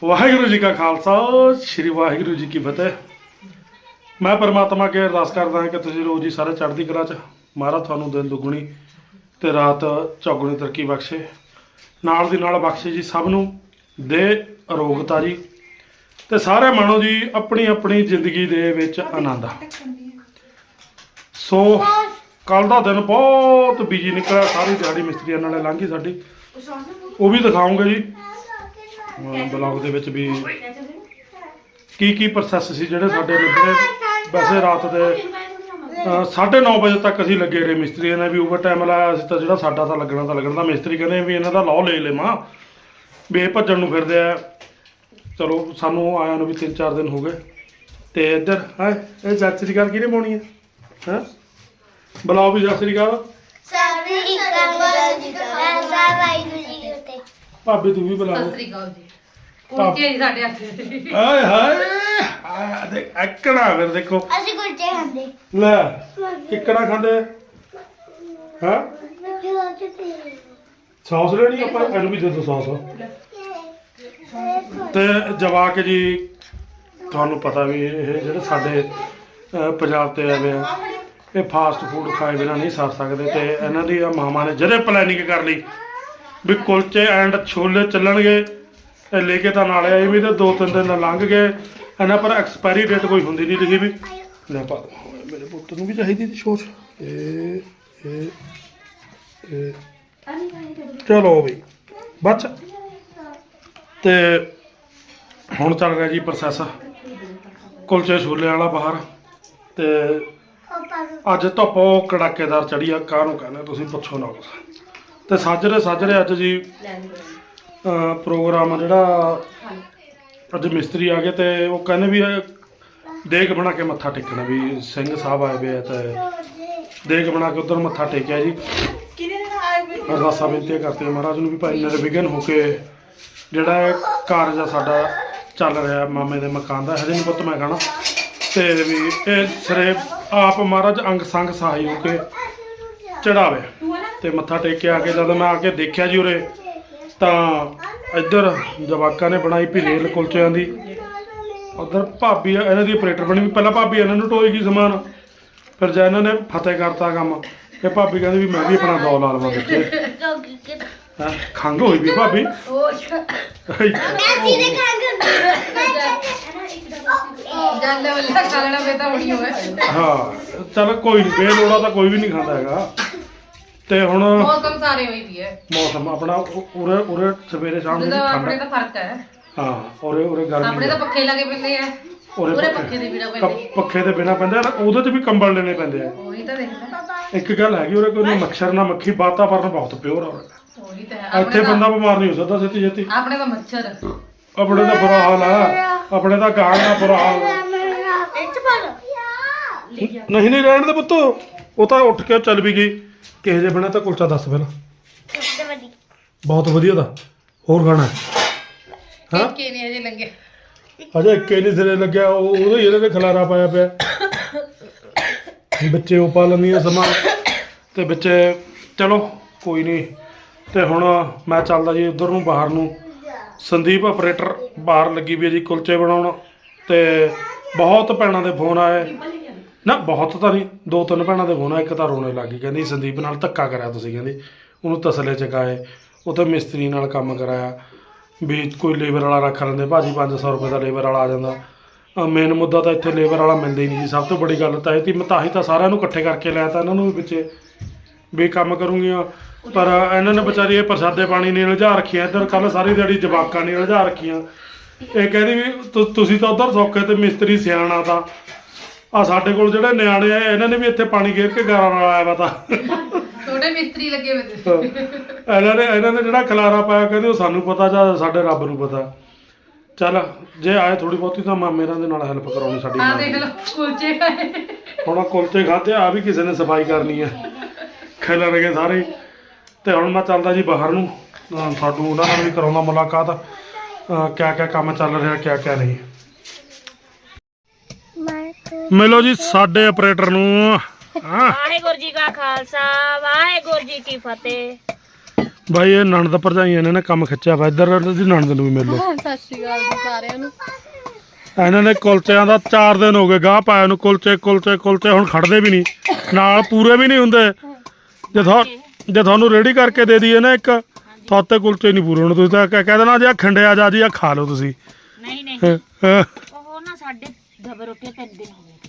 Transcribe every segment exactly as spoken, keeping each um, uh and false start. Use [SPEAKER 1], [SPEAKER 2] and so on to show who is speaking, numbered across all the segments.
[SPEAKER 1] ਵਾਹਿਗੁਰੂ जी का खालसा श्री वाहिगुरू जी की फतेह। मैं परमात्मा के अरदास करदा ਹਾਂ कि ਤੁਸੀਂ ਰੋਜ਼ ਹੀ ਸਾਰੇ ਚੜ੍ਹਦੀ ਕਲਾ ਚ ਮਹਾਰਾਜ ਤੁਹਾਨੂੰ ਦਿਨ ਦੁਗਣੀ ਤੇ ਰਾਤ ਚੌਗੁਣੀ ਤਰੱਕੀ ਬਖਸ਼ੇ, ਨਾਲ ਦੀ ਨਾਲ ਬਖਸ਼ੇ ਜੀ ਸਭ ਨੂੰ ਦੇ ਅਰੋਗਤਾ ਜੀ, ਤੇ ਸਾਰੇ ਮਾਣੋ ਜੀ ਆਪਣੀ ਆਪਣੀ ਜ਼ਿੰਦਗੀ ਦੇ ਵਿੱਚ ਆਨੰਦ। ਸੋ ਕੱਲ ਦਾ ਦਿਨ ਬਹੁਤ ਬਿਜੀ ਨਿਕਲਿਆ, ਸਾਰੀ ਦਿਹਾੜੀ ਮਿਸਤਰੀਆਂ ਨਾਲ ਲੰਘੀ ਸਾਡੀ, ਉਹ ਵੀ ਦਿਖਾਉਂਗੇ ਜੀ ਬਲੌਗ ਦੇ ਵਿੱਚ ਵੀ ਕੀ ਕੀ ਪ੍ਰੋਸੈਸ ਸੀ ਜਿਹੜੇ ਸਾਡੇ ਨਿਬੜੇ। ਵੈਸੇ ਰਾਤ ਦੇ ਸਾਢੇ ਨੌ ਵਜੇ ਤੱਕ ਅਸੀਂ ਲੱਗੇ ਰਹੇ, ਮਿਸਤਰੀਆਂ ਨੇ ਵੀ ਓਵਰ ਟਾਈਮ ਲਾਇਆ। ਅਸੀਂ ਤਾਂ ਜਿਹੜਾ ਸਾਡਾ ਤਾਂ ਲੱਗਣਾ ਤਾਂ ਲੱਗਣਾ, ਮਿਸਤਰੀ ਕਹਿੰਦੇ ਵੀ ਇਹਨਾਂ ਦਾ ਲਾਅ ਲੈ ਲਵਾਂ ਵੀ ਇਹ ਭੱਜਣ ਨੂੰ ਫਿਰਦੇ ਆ। ਚਲੋ ਸਾਨੂੰ ਆਇਆ ਨੂੰ ਵੀ ਤਿੰਨ ਚਾਰ ਦਿਨ ਹੋ ਗਏ। ਤੇ ਇੱਧਰ ਹੈ ਇਹ ਸਤਿ ਸ੍ਰੀ ਅਕਾਲ ਕਿਹਨੇ ਪਾਉਣੀ ਹੈ ਹੈਂ ਬੁਲਾਓ ਵੀ ਸਤਿ ਸ੍ਰੀ ਅਕਾਲ। ਭਾਬੀ ਤੂੰ ਵੀ ਬੁਲਾ।
[SPEAKER 2] ਸਤਿ ਸ੍ਰੀ ਅਕਾਲ ਜੀ। ਕੁਲਚੇ ਜੀ ਸਾਡੇ ਹੱਥ।
[SPEAKER 1] ਹਾਏ ਹਾਏ ਦੇਖ ਐਕੜਾ ਫਿਰ ਦੇਖੋ
[SPEAKER 3] ਅਸੀਂ ਕੁਲਚੇ ਖਾਂਦੇ
[SPEAKER 1] ਲੈ ਕਿੱਕੜਾ ਖਾਂਦੇ ਹਾਂ ਸੌਸ ਲੈਣੀ ਆਪਾਂ ਇਹਨੂੰ ਵੀ ਦੇ ਦੋ ਸੌਸ। ਤੇ ਜਵਾਕ ਜੀ ਤੁਹਾਨੂੰ ਪਤਾ ਵੀ ਇਹ ਜਿਹੜੇ ਸਾਡੇ ਪੰਜਾਬ ਤੇ ਆਏ ਆ ਇਹ ਫਾਸਟ ਫੂਡ ਖਾਏ ਬਿਨਾਂ ਨਹੀਂ ਸਰ ਸਕਦੇ। ਤੇ ਇਹਨਾਂ ਦੀ ਮਾਮਾ ਨੇ ਜਿਹੜੇ ਪਲੈਨਿੰਗ ਕਰ ਲਈ ਵੀ ਕੁਲਚੇ ਐਂਡ ਛੋਲੇ ਚੱਲਣਗੇ, ਇਹ ਲੈ ਕੇ ਤਾਂ ਨਾਲ ਆਏ ਵੀ ਤੇ ਦੋ ਤਿੰਨ ਦਿਨ ਲੰਘ ਗਏ ਇਹਨਾਂ ਪਰ ਐਕਸਪਾਇਰੀ ਡੇਟ ਕੋਈ ਹੁੰਦੀ ਨਹੀਂ ਲਿਖੀ ਵੀ। ਲੈ ਪਾ ਮੇਰੇ ਪੁੱਤ ਨੂੰ ਵੀ ਚਾਹੀਦੀ ਸੀ ਸੋਚ। ਇਹ ਇਹ ਇਹ ਚਲੋ ਬਈ ਬਸ। ਤੇ ਹੁਣ ਚੱਲ ਰਿਹਾ ਜੀ ਪ੍ਰੋਸੈਸ ਕੁਲਚੇ ਛੋਲੇ ਵਾਲਾ ਬਾਹਰ। ਤੇ ਅੱਜ ਧੁੱਪ ਕੜਾਕੇਦਾਰ ਚੜੀ ਆ, ਕਾਹਨੂੰ ਕਹਿੰਦੇ ਤੁਸੀਂ ਪੁੱਛੋ ਨਾ ਕੁਛ। ਤੇ ਸਾਜਰੇ ਸਾਜਰੇ ਅੱਜ ਜੀ ਪ੍ਰੋਗਰਾਮ ਜਿਹੜਾ ਅੱਜ ਮਿਸਤਰੀ ਆ ਗਏ ਤੇ ਉਹ ਕਹਿੰਦੇ ਵੀ ਦੇਗ ਬਣਾ ਕੇ ਮੱਥਾ ਟੇਕਣਾ, ਵੀ ਸਿੰਘ ਸਾਹਿਬ ਆਏ ਵੇ ਆ ਤੇ ਦੇਗ ਬਣਾ ਕੇ ਉੱਧਰ ਮੱਥਾ ਟੇਕਿਆ ਜੀ। ਅਰਦਾਸਾਂ ਬੇਨਤੀਆਂ ਕਰਤੇ ਮਹਾਰਾਜ ਨੂੰ ਵੀ ਭਾਈ ਨਿਰਵਿਘਨ ਹੋ ਕੇ ਜਿਹੜਾ ਕਾਰਜ ਆ ਸਾਡਾ ਚੱਲ ਰਿਹਾ ਮਾਮੇ ਦੇ ਮਕਾਨ ਦਾ, ਹਜੇ ਨਹੀਂ ਪੁੱਤ ਮੈਂ ਕਹਿਣਾ, ਤੇ ਵੀ ਇਹ ਸਿਰੇ ਆਪ ਮਹਾਰਾਜ ਅੰਗ ਸੰਗ ਸਹਾਈ ਹੋ ਕੇ ਚੜਾਵੇ। ਤੇ ਮੱਥਾ ਟੇਕ ਕੇ ਆ ਕੇ ਜਦ ਮੈਂ ਆ ਕੇ ਦੇਖਿਆ ਜੀ ਉਰੇ ਤਾਂ ਇੱਧਰ ਜਵਾਕਾਂ ਨੇ ਬਣਾਈ ਭੀਰੇਲ ਕੁਲਚਿਆਂ ਦੀ, ਉੱਧਰ ਭਾਬੀ ਇਹਨਾਂ ਦੀ ਆਪਰੇਟਰ ਬਣੀ ਵੀ। ਪਹਿਲਾਂ ਭਾਬੀ ਇਹਨਾਂ ਨੂੰ ਢੋਏਗੀ ਸਮਾਨ, ਫਿਰ ਜਦ ਇਹਨਾਂ ਨੇ ਫਤਿਹ ਕਰਤਾ ਕੰਮ ਤੇ ਭਾਬੀ ਕਹਿੰਦੀ ਵੀ ਮੈਂ ਵੀ ਆਪਣਾ ਦੌ ਲਾ ਲਵਾਂ ਬੱਚੇ। ਹੈਂ ਖੰਘ ਹੋਈ ਵੀ ਭਾਬੀ ਹਾਂ ਚੱਲ ਕੋਈ ਨੀ, ਬੇਲੋੜਾ ਤਾਂ ਕੋਈ ਵੀ ਨਹੀਂ ਖਾਂਦਾ ਹੈਗਾ। ਤੇ ਹੁਣ
[SPEAKER 2] ਮੌਸਮ ਸਾਰੇ ਹੋਈ ਵੀ ਹੈ,
[SPEAKER 1] ਮੌਸਮ ਆਪਣਾ ਉਰੇ ਉਰੇ ਸਵੇਰੇ ਸ਼ਾਮ ਨੂੰ
[SPEAKER 2] ਆਪਣੇ ਦਾ ਫਰਕ ਹੈ।
[SPEAKER 1] ਹਾਂ ਉਰੇ ਉਰੇ ਗਰਮੀ
[SPEAKER 2] ਆਪਣੇ ਤਾਂ ਪੱਖੇ ਲੱਗੇ ਪੈਂਦੇ ਆ, ਉਰੇ ਪੱਖੇ ਦੇ ਬਿਨਾ ਪੈਂਦੇ,
[SPEAKER 1] ਪੱਖੇ ਦੇ ਬਿਨਾ ਪੈਂਦੇ ਆ, ਉਹਦੇ 'ਚ ਵੀ ਕੰਬਲ ਲੈਣੇ ਪੈਂਦੇ ਆ।
[SPEAKER 2] ਉਹੀ ਤਾਂ ਦੇਖਦਾ
[SPEAKER 1] ਇੱਕ ਗੱਲ ਹੈਗੀ ਉਰੇ ਕੋਈ ਨਾ ਮੱਛਰ ਨਾ ਮੱਖੀ, ਵਾਤਾਵਰਨ ਬਹੁਤ ਪਿਓਰ ਆ ਉਰੇ।
[SPEAKER 2] ਉਹੀ ਤਾਂ ਹੈ।
[SPEAKER 1] ਇੱਥੇ ਬੰਦਾ ਬਿਮਾਰ ਨਹੀਂ ਹੋ ਸਕਦਾ ਛੇਤੀ ਛੇਤੀ।
[SPEAKER 2] ਆਪਣੇ ਤਾਂ ਮੱਛਰ
[SPEAKER 1] ਆਪਣੇ ਦਾ ਬੁਰਾ ਹਾਲ ਆ, ਆਪਣੇ ਦਾ ਗਾਂ ਦਾ ਬੁਰਾ ਹਾਲ। ਨਹੀਂ ਨਹੀਂ ਰਹਿਣ ਦੇ ਪੁੱਤ, ਉਹ ਤਾਂ ਉੱਠ ਕੇ ਚੱਲ ਵੀ ਗਈ। ਕਿਹੋ ਜਿਹੇ ਬਣਾ ਤਾਂ ਕੁਲਚਾ ਦੱਸ ਪਹਿਲਾਂ। ਬਹੁਤ ਵਧੀਆ ਦਾ ਹੋਰ ਖਾਣਾ ਹਾਂ
[SPEAKER 2] ਕਿ ਨਹੀਂ ਅਜੇ ਲੰਗੇ
[SPEAKER 1] ਅਜੇ ਇੱਕੇ ਨਹੀਂ ਸਿਰੇ ਲੱਗਿਆ, ਉਹ ਉਹਦੇ ਹੀ ਇਹਦੇ ਤੇ ਖਲਾਰਾ ਪਾਇਆ ਪਿਆ ਬੱਚੇ ਉਹ ਪਾ ਲੈਂਦੀਆਂ ਸਮਾਨ ਤੇ ਬੱਚੇ। ਚਲੋ ਕੋਈ ਨਹੀਂ। ਤੇ ਹੁਣ ਮੈਂ ਚੱਲਦਾ ਜੀ ਉੱਧਰ ਨੂੰ ਬਾਹਰ ਨੂੰ। ਸੰਦੀਪ ਆਪਰੇਟਰ ਬਾਹਰ ਲੱਗੀ ਵੀ ਹੈ ਜੀ ਕੁਲਚੇ ਬਣਾਉਣ। ਤੇ ਬਹੁਤ ਭੈਣਾਂ ਦੇ ਫੋਨ ਆਏ ਨਾ, ਬਹੁਤ ਤਾਂ ਨਹੀਂ, ਦੋ ਤਿੰਨ ਭੈਣਾਂ ਦੇ ਫੋਨ ਆਏ। ਇੱਕ ਤਾਂ ਰੋਣੇ ਲੱਗ ਗਈ, ਕਹਿੰਦੀ ਸੰਦੀਪ ਨਾਲ ਧੱਕਾ ਕਰਿਆ ਤੁਸੀਂ, ਕਹਿੰਦੀ ਉਹਨੂੰ ਤਸਲੇ ਚਕਾਏ, ਉੱਥੇ ਮਿਸਤਰੀ ਨਾਲ ਕੰਮ ਕਰਾਇਆ ਵੀ ਕੋਈ ਲੇਬਰ ਵਾਲਾ ਰੱਖ ਲੈਂਦੇ ਭਾਜੀ, ਪੰਜ ਸੌ ਰੁਪਏ ਦਾ ਲੇਬਰ ਵਾਲਾ ਆ ਜਾਂਦਾ। ਮੇਨ ਮੁੱਦਾ ਤਾਂ ਇੱਥੇ ਲੇਬਰ ਵਾਲਾ ਮਿਲਦਾ ਹੀ ਨਹੀਂ ਜੀ, ਸਭ ਤੋਂ ਬੜੀ ਗੱਲ ਤਾਂ ਇਹ ਤੀ। ਮੈਂ ਤਾਂ ਹੀ ਤਾਂ ਸਾਰਿਆਂ ਨੂੰ ਇਕੱਠੇ ਕਰਕੇ ਲਿਆ ਤਾਂ ਇਹਨਾਂ ਨੂੰ ਵੀ ਪਿੱਛੇ ਵੀ ਕੰਮ ਕਰੂੰਗੀਆਂ, ਪਰ ਇਹਨਾਂ ਨੇ ਵਿਚਾਰੀ ਇਹ ਪ੍ਰਸਾਦੇ ਪਾਣੀ ਨਹੀਂ ਉਲਝਾ ਰੱਖੀਆਂ। ਇੱਧਰ ਕੱਲ੍ਹ ਸਾਰੀ ਦਿਹਾੜੀ ਜਵਾਕਾਂ ਨੇ ਉਲਝਾ ਰੱਖੀਆਂ। ਇਹ ਕਹਿੰਦੀ ਵੀ ਤੁਸੀਂ ਤਾਂ ਉੱਧਰ ਸੌਖੇ ਤੇ ਮਿਸਤਰੀ ਸਿਆਣਾ ਤਾਂ ਆ ਸਾਡੇ ਕੋਲ ਜਿਹੜੇ ਨਿਆਣੇ ਆ ਇਹਨਾਂ ਨੇ ਵੀ ਇੱਥੇ ਪਾਣੀ ਗੇਰ ਕੇ ਗਾਰਾ ਨਾਲ ਆਇਆ ਵਾ ਤਾਂ
[SPEAKER 2] ਛੋਟੇ ਮਿਸਤਰੀ ਲੱਗੇ ਹੋਏ
[SPEAKER 1] ਇਹਨਾਂ ਨੇ ਇਹਨਾਂ ਨੇ ਜਿਹੜਾ ਖਲਾਰਾ ਪਾਇਆ ਕਹਿੰਦੇ ਉਹ ਸਾਨੂੰ ਪਤਾ ਜਾਂ ਸਾਡੇ ਰੱਬ ਨੂੰ ਪਤਾ। ਚੱਲ ਜੇ ਆਏ ਥੋੜੀ ਬਹੁਤੀ ਤਾਂ ਮਾਮੇ ਦੇ ਨਾਲ ਹੈਲਪ ਕਰਾਉਣੀ ਸਾਡੀ।
[SPEAKER 2] ਆ ਦੇਖ ਲਓ ਕੁਲਚੇ ਖਾਏ,
[SPEAKER 1] ਹੁਣ ਕੁਲਚੇ ਖਾਧੇ ਆ ਵੀ ਕਿਸੇ ਨੇ ਸਫਾਈ ਕਰਨੀ ਹੈ, ਖਿਲਰ ਗਏ ਸਾਰੇ। ਤੇ ਹੁਣ ਮੈਂ ਚੱਲਦਾ ਜੀ ਬਾਹਰ ਨੂੰ, ਸਾਨੂੰ ਉਹਨਾਂ ਨਾਲ ਵੀ ਕਰਾਉਂਦਾ ਮੁਲਾਕਾਤ, ਕਿਆ ਕਿਆ ਕੰਮ ਚੱਲ ਰਿਹਾ ਕਿਆ ਕਿਆ ਨਹੀਂ। ਮਿਲੋ ਜੀ ਸਾਡੇ ਆਪਰੇਟਰ ਨੂੰ।
[SPEAKER 3] ਵਾਹਿਗੁਰੂ ਜੀ ਕਾ ਖਾਲਸਾ ਵਾਹਿਗੁਰੂ ਜੀ ਕੀ ਫਤਿਹ।
[SPEAKER 1] ਬਾਈ ਇਹ ਨਣਦ ਭਰਜਾਈਆਂ ਨੇ ਨਾ ਕੰਮ ਖਿੱਚਿਆ ਵਾ ਇੱਧਰ ਦੀ ਨਣਦ ਨੂੰ ਵੀ ਮਿਲ ਲਓ
[SPEAKER 2] ਸਤਿ ਸ਼੍ਰੀ ਅਕਾਲ ਜੀ ਸਾਰਿਆਂ ਨੂੰ।
[SPEAKER 1] ਇਹਨਾਂ ਨੇ ਕੁਲਚਿਆਂ ਦਾ ਚਾਰ ਦਿਨ ਹੋ ਗਏ ਗਾਹ ਪਾਇਆ ਨੂੰ ਕੁਲਚੇ ਕੁਲਚੇ ਕੁਲਚੇ ਹੁਣ ਖੜਦੇ ਵੀ ਨਹੀਂ ਨਾਲ ਪੂਰੇ ਵੀ ਨਹੀਂ ਹੁੰਦੇ ਜੇ ਤੁਹਾ ਜੇ ਤੁਹਾਨੂੰ ਰੈਡੀ ਕਰਕੇ ਦੇ ਦਈਏ ਨਾ ਇੱਕ ਥੋਤੇ ਕੁਲਚੇ ਨਹੀਂ ਪੂਰੇ ਹੋਣੇ ਤੁਸੀਂ ਤਾਂ ਕਹਿ ਕਹਿ ਦੇਣਾ ਜੀ ਆ ਖੰਡਿਆ ਜਾ ਜੀ ਆ ਖਾ ਲਓ ਤੁਸੀਂ
[SPEAKER 3] ਨਹੀਂ ਨਹੀਂ
[SPEAKER 1] ਹਾਂ ਹਾਂ,
[SPEAKER 3] ਉਹ ਨਾ ਸਾਡੇ ਦਬਰ ਰੋਟੀ ਤਿੰਨ ਦਿਨ ਹੋ ਗਏ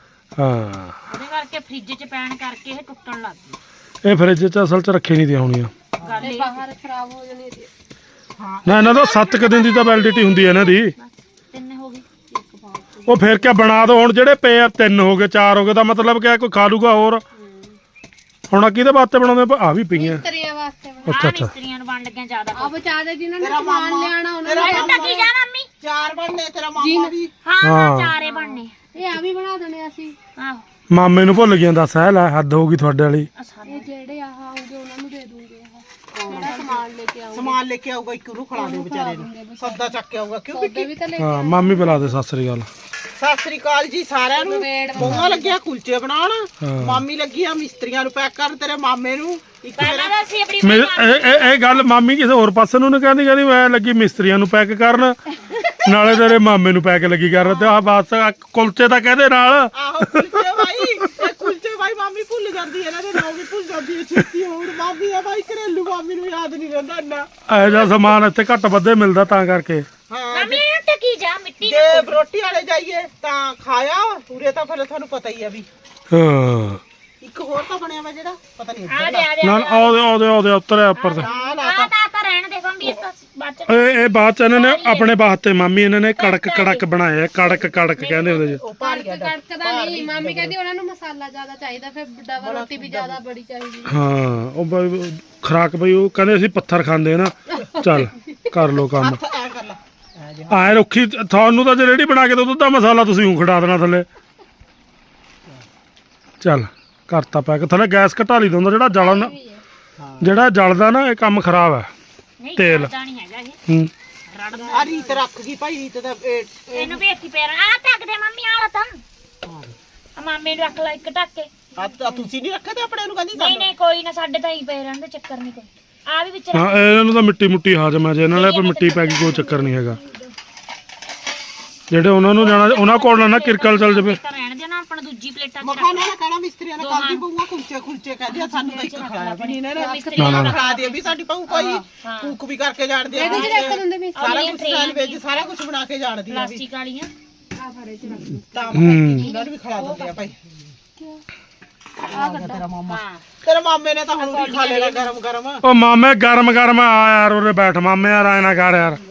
[SPEAKER 1] ਹਾਂ
[SPEAKER 3] ਉਹਦੇ ਕਰਕੇ ਫ੍ਰਿਜ 'ਚ ਪੈਣ ਕਰਕੇ ਇਹ ਟੁੱਟਣ ਲੱਗ ਗਈ
[SPEAKER 1] ਇਹ ਫਰਿੱਜ 'ਚ ਅਸਲ 'ਚ ਰੱਖੀ ਨਹੀਂ ਦੀਆਂ ਹੋਣੀਆਂ
[SPEAKER 3] ਗੱਲ ਇਹ
[SPEAKER 2] ਬਾਹਰ ਖਰਾਬ ਹੋ ਜਾਣੀ ਇਹਦੀ।
[SPEAKER 1] ਨਾ ਇਹਨਾਂ ਦਾ ਸੱਤ ਕੁ ਦਿਨ ਦੀ ਤਾਂ ਵੈਲਿਡਿਟੀ ਹੁੰਦੀ ਹੈ ਇਹਨਾਂ ਦੀ
[SPEAKER 3] ਤਿੰਨ ਹੋ ਗਈ ਇੱਕ ਪਾਉ
[SPEAKER 1] ਉਹ ਫਿਰ ਕਿਆ ਬਣਾ ਦੋ ਹੁਣ ਜਿਹੜੇ ਪਏ ਆ ਤਿੰਨ ਹੋ ਗਏ ਚਾਰ ਹੋ ਗਏ ਤਾਂ ਮਤਲਬ ਕਿਆ ਕੋਈ ਖਾ ਲੂਗਾ ਹੋਰ ਹੁਣ ਆਹ ਕਿਹਦੇ ਵਾਸਤੇ ਬਣਾਉਂਦੇ ਆ ਵੀ ਪਈਆਂ
[SPEAKER 2] ਮਿਸਤਰੀਆਂ ਵਾਸਤੇ
[SPEAKER 1] ਅੱਛਾ
[SPEAKER 3] ਆ
[SPEAKER 1] ਅੱਛਾ
[SPEAKER 3] ਮਿਸਤਰੀਆਂ ਨੂੰ ਵੰਡ ਕੇ ਜ਼ਿਆਦਾ
[SPEAKER 2] ਆ ਬਚਾ ਦੇ ਜਿਨ੍ਹਾਂ ਨੇ ਸਮਾਨ ਲਿਆਣਾ ਉਹਨਾਂ
[SPEAKER 3] ਮੈਂ
[SPEAKER 2] ਨੂੰ
[SPEAKER 3] ਤਾਂ ਕੀ ਜਾ ਮੰਮੀ
[SPEAKER 4] ਚਾਰ ਬਣਨੇ ਤੇਰਾ ਮਾਮਾ ਵੀ
[SPEAKER 3] ਹਾਂ
[SPEAKER 1] ਹਾਂ।
[SPEAKER 3] ਹਾਂ ਚਾਰੇ ਬਣਨੇ
[SPEAKER 2] ਇਹ ਆ ਵੀ ਬਣਾ ਦੇਣੇ ਅਸੀਂ।
[SPEAKER 3] ਆਹੋ
[SPEAKER 1] ਮਾਮੇ ਨੂੰ ਭੁੱਲ ਗਿਆ ਦੱਸ ਹੈ ਲੈ ਹੱਦ ਹੋ ਗਈ ਤੁਹਾਡੇ ਵਾਲੀ
[SPEAKER 3] ਆਹ ਸਾਰੇ
[SPEAKER 2] ਇਹ ਜਿਹੜੇ ਆਹ ਆਉਗੇ ਉਹਨਾਂ ਨੂੰ ਦੇ ਦੂੰਗੇ ਆਹ ਜਿਹੜਾ ਸਮਾਨ ਲੈ ਕੇ ਆਉਂਗੇ
[SPEAKER 4] ਸਮਾਨ ਲੈ ਕੇ ਆਊਗਾ ਇੱਕ ਨੂੰ ਖਿਲਾ ਦੇ ਵਿਚਾਰੇ ਨੂੰ ਸੌਦਾ ਚੱਕ ਕੇ ਆਊਗਾ ਕਿਉਂ
[SPEAKER 2] ਸੌਦੇ ਵੀ ਤਾਂ ਲੈ
[SPEAKER 1] ਹਾਂ ਮਾਮੀ ਬੁਲਾ ਦੇ ਸਤਿ ਸ੍ਰੀ ਅਕਾਲ
[SPEAKER 4] ਸਤਿ ਸ੍ਰੀ ਅਕਾਲ ਜੀ ਸਾਰਿਆਂ ਨੂੰ ਮੋਗਾ ਲੱਗਿਆ ਕੁਲਚੇ ਬਣਾਉਣ
[SPEAKER 1] ਹਾਂ।
[SPEAKER 4] ਮਾਮੀ ਲੱਗੀ ਆ ਮਿਸਤਰੀਆਂ ਨੂੰ ਪੈਕ ਕਰਨ ਤੇਰੇ ਮਾਮੇ ਨੂੰ ਇੱਕ
[SPEAKER 3] ਪਹਿਲਾਂ
[SPEAKER 4] ਮੇਰਾ
[SPEAKER 3] ਤਾਂ ਅਸੀਂ ਆਪਣੀ
[SPEAKER 1] ਮੇਰੇ ਇਹ ਇਹ- ਇਹ ਗੱਲ ਮਾਮੀ ਕਿਸੇ ਹੋਰ ਪਾਸੇ ਨੂੰ ਨੀ ਕਹਿੰਦੀ ਕਹਿੰਦੀ ਮੈਂ ਲੱਗੀ ਮਿਸਤਰੀਆਂ ਨੂੰ ਪੈਕ ਕਰਨ ਨਾਲੇ ਤੇਰੇ ਮਾਮੇ ਨੂੰ ਪੈਕ ਲੱਗੀ ਕਰਨ ਤੇ ਆਹ ਬਸ ਆਹ ਕੁਲਚੇ ਤਾਂ ਕਹਦੇ ਨਾਲ
[SPEAKER 4] ਆਹੋ ਕੁਲਚੇ ਬਾਈ ਇਹ ਕੁਲਚੇ ਬਾਈ ਮਾਮੀ ਭੁੱਲ ਜਾਂਦੀ ਹੈ ਇਹਨਾਂ ਦੇ ਨਾਮ ਵੀ ਭੁੱਲ ਜਾਂਦੀ ਹੈ ਛੇਤੀ ਹੁਣ ਮਾਮੀ ਆ ਬਾਈ ਘਰੇਲੂ ਮਾਮੀ ਨੂੰ ਯਾਦ ਨਹੀਂ ਰਹਿੰਦਾ ਇੰਨਾ
[SPEAKER 1] ਇਹੋ ਜਿਹਾ ਸਮਾਨ ਇੱਥੇ ਘੱਟ ਵੱਧੇ ਮਿਲਦਾ ਤਾਂ ਕਰਕੇ
[SPEAKER 4] ਹਾਂ
[SPEAKER 3] ਮੰਮੀ ਇਹਨੂੰ ਟਕੀ ਜਾ ਮਿੱਟੀ
[SPEAKER 4] ਜੇ ਰੋਟੀ ਵਾਲੇ ਜਾਈਏ ਤਾਂ ਖਾਇਆ ਉਰੇ ਤਾਂ ਫਿਰ ਤੁਹਾਨੂੰ ਪਤਾ ਹੀ ਆ ਵੀ
[SPEAKER 1] ਹਾਂ
[SPEAKER 4] ਇੱਕ ਹੋਰ ਤਾਂ ਬਣਿਆ ਵਾ ਜਿਹੜਾ ਪਤਾ ਨਹੀਂ
[SPEAKER 3] ਆ ਦੇ ਆ ਦੇ
[SPEAKER 1] ਨਾ ਆਉਦੇ ਆਉਦੇ ਆਉਦੇ ਉੱਤਰਿਆ ਉੱਪਰ ਤੇ
[SPEAKER 4] ਆ ਲਾ
[SPEAKER 3] ਆ ਤਾਂ ਤਾਂ ਰਹਿਣ ਦੇ ਕੰਬੀ ਇਸ ਬਾਅਦ ਚ
[SPEAKER 1] ਇਹ ਇਹ ਬਾਅਦ ਚ ਇਹਨਾਂ ਨੇ ਆਪਣੇ ਵਾਸਤੇ ਮਾਮੀ ਇਹਨਾਂ ਨੇ ਕੜਕ ਕੜਕ ਬਣਾਏ ਆ ਕੜਕ ਕੜਕ ਕਹਿੰਦੇ ਉਹਦੇ ਚ
[SPEAKER 4] ਉਹ ਪਾ ਗਿਆ
[SPEAKER 2] ਕੜਕਦਾ ਨਹੀਂ। ਮਾਮੀ ਕਹਿੰਦੀ ਉਹਨਾਂ ਨੂੰ ਮਸਾਲਾ ਜ਼ਿਆਦਾ ਚਾਹੀਦਾ ਫਿਰ ਡਬਲ ਰੋਟੀ ਵੀ ਜ਼ਿਆਦਾ ਬੜੀ ਚਾਹੀਦੀ।
[SPEAKER 1] ਹਾਂ ਉਹ ਬਈ ਖਰਾਕ ਬਈ ਉਹ ਕਹਿੰਦੇ ਅਸੀਂ ਪੱਥਰ ਖਾਂਦੇ ਨਾ ਚੱਲ ਕਰ ਲੋ ਕੰਮ
[SPEAKER 4] ਹੱਥ ਐ ਕਰ ਲਾ ਐ ਜੇ
[SPEAKER 1] ਆਏ ਰੁੱਖੀ ਤੁਹਾਨੂੰ ਤਾਂ ਜੇ ਰੇੜੀ ਬਣਾ ਕੇ ਦੋ ਦੁੱਧ ਦਾ ਮਸਾਲਾ ਤੁਸੀਂ ਊਂ ਖੜਾ ਦੇਣਾ ਥੱਲੇ ਚੱਲ ਕਰਤਾ ਪੈਕ ਥੱਲੇ ਗੈਸ ਘਟਾ ਲਈ ਦੋਂਦਾ ਜਿਹੜਾ ਜਲਣ ਜਿਹੜਾ ਜਲਦਾ ਨਾ ਇਹ ਕੰਮ ਖਰਾਬ ਹੈ
[SPEAKER 3] ਨਹੀਂ
[SPEAKER 1] ਤੇਲ।
[SPEAKER 3] ਕਰਦਾ ਨਹੀਂ ਹੈਗਾ ਇਹ
[SPEAKER 1] ਹੂੰ
[SPEAKER 3] ਰੜਦਾ
[SPEAKER 4] ਆ ਰੀਤ ਰੱਖ ਗਈ ਭਾਈ ਰੀਤ ਦਾ ਇਹ-
[SPEAKER 3] ਇਹਨੂੰ ਵੀ ਇੱਥੇ ਪੈਰ ਆ ਟੱਕ ਦੇ ਮੰਮੀ ਆਲਾ ਤਾਂ ਆ ਮਾਮੇ ਨੂੰ ਰੱਖ ਲੈ ਇੱਕ ਟੱਕ ਕੇ
[SPEAKER 4] ਆ ਤਾਂ ਤੁਸੀਂ ਨਹੀਂ ਰੱਖਿਆ ਤੇ ਆਪਣੇ ਨੂੰ ਕਹਿੰਦੀ
[SPEAKER 3] ਨਹੀਂ ਨਹੀਂ ਕੋਈ ਨਾ ਸਾਡੇ ਤਾਂ ਹੀ ਪਏ ਰਹਿਣ ਦੇ ਚੱਕਰ ਨਹੀਂ ਕੋਈ ਆ ਵੀ ਵਿੱਚ
[SPEAKER 1] ਹਾਂ ਇਹਨਾਂ ਨੂੰ ਤਾਂ ਮਿੱਟੀ ਮੁੱਟੀ ਹਾਜ਼ਮ ਹੈ ਜੇ ਇਹਨਾਂ ਨਾਲ ਮਿੱਟੀ ਪੈ ਗਈ ਕੋਈ ਚੱਕਰ ਨਹੀਂ ਹੈਗਾ ਜਿਹੜੇ ਉਹਨਾਂ ਨੂੰ ਜਾਣਾ ਉਹਨਾਂ ਕੋਲ ਨਾ ਨਾ ਕਿਰਕਲ ਚੱਲ ਜਾਵੇ
[SPEAKER 3] ਤਾਂ ਰਹਿਣ ਦੇ ਨਾ ਆਪਣਾ ਦੂਜੀ ਪਲੇਟਾਂ 'ਚ
[SPEAKER 4] ਮਖਾਨਾ ਨਾ ਕਹਿਣਾ ਮਿਸਤਰੀਆਂ ਨੇ ਕਰਦੀ ਪਊਗਾ ਕੁਲਚੇ ਕੁਲਚੇ ਕਹਿੰਦੇ ਆ, ਸਾਨੂੰ ਤਾਂ ਇੱਕ ਖਿਲਾਇਆ ਵੀ ਨਹੀਂ ਇਹਨਾਂ ਨੇ ਖਿਲਾ ਦੇ ਵੀ ਸਾਡੀ ਪਊ ਕੋਈ ਕੂਕ ਵੀ ਕਰਕੇ ਜਾਣਦੇ ਆ
[SPEAKER 2] ਇਹਦੇ ਚ ਰੱਖ ਦਿੰਦੇ ਮੈਂ
[SPEAKER 4] ਸਾਰਾ ਕੁਝ ਸੈਂਡਵਿਚ ਸਾਰਾ ਕੁਝ ਬਣਾ ਕੇ ਜਾਣਦੀ ਆ ਵੀ
[SPEAKER 3] ਪਲਾਸਟਿਕ ਵਾਲੀਆਂ
[SPEAKER 2] ਆ ਫੜੇ ਚ ਰੱਖ
[SPEAKER 4] ਤਾਂ
[SPEAKER 1] ਹੂੰ
[SPEAKER 4] ਇਹਨਾਂ ਨੂੰ ਵੀ ਖਿਲਾ ਦਿੰਦੇ ਆ ਭਾਈ
[SPEAKER 2] ਆ ਕੱਢਾ
[SPEAKER 4] ਤੇਰਾ ਮਾਮਾ
[SPEAKER 3] ਹਾਂ
[SPEAKER 4] ਤੇਰੇ ਮਾਮੇ ਨੇ ਤਾਂ ਹੁਣ ਵੀ ਖਾ ਲੈਣਾ ਗਰਮ ਗਰਮ
[SPEAKER 1] ਉਹ ਮਾਮੇ ਗਰਮ ਗਰਮ ਆ ਯਾਰ ਉਰੇ ਬੈਠ ਮਾਮੇ ਯਾਰ ਆਏ ਨਾ ਕਰ ਯਾਰ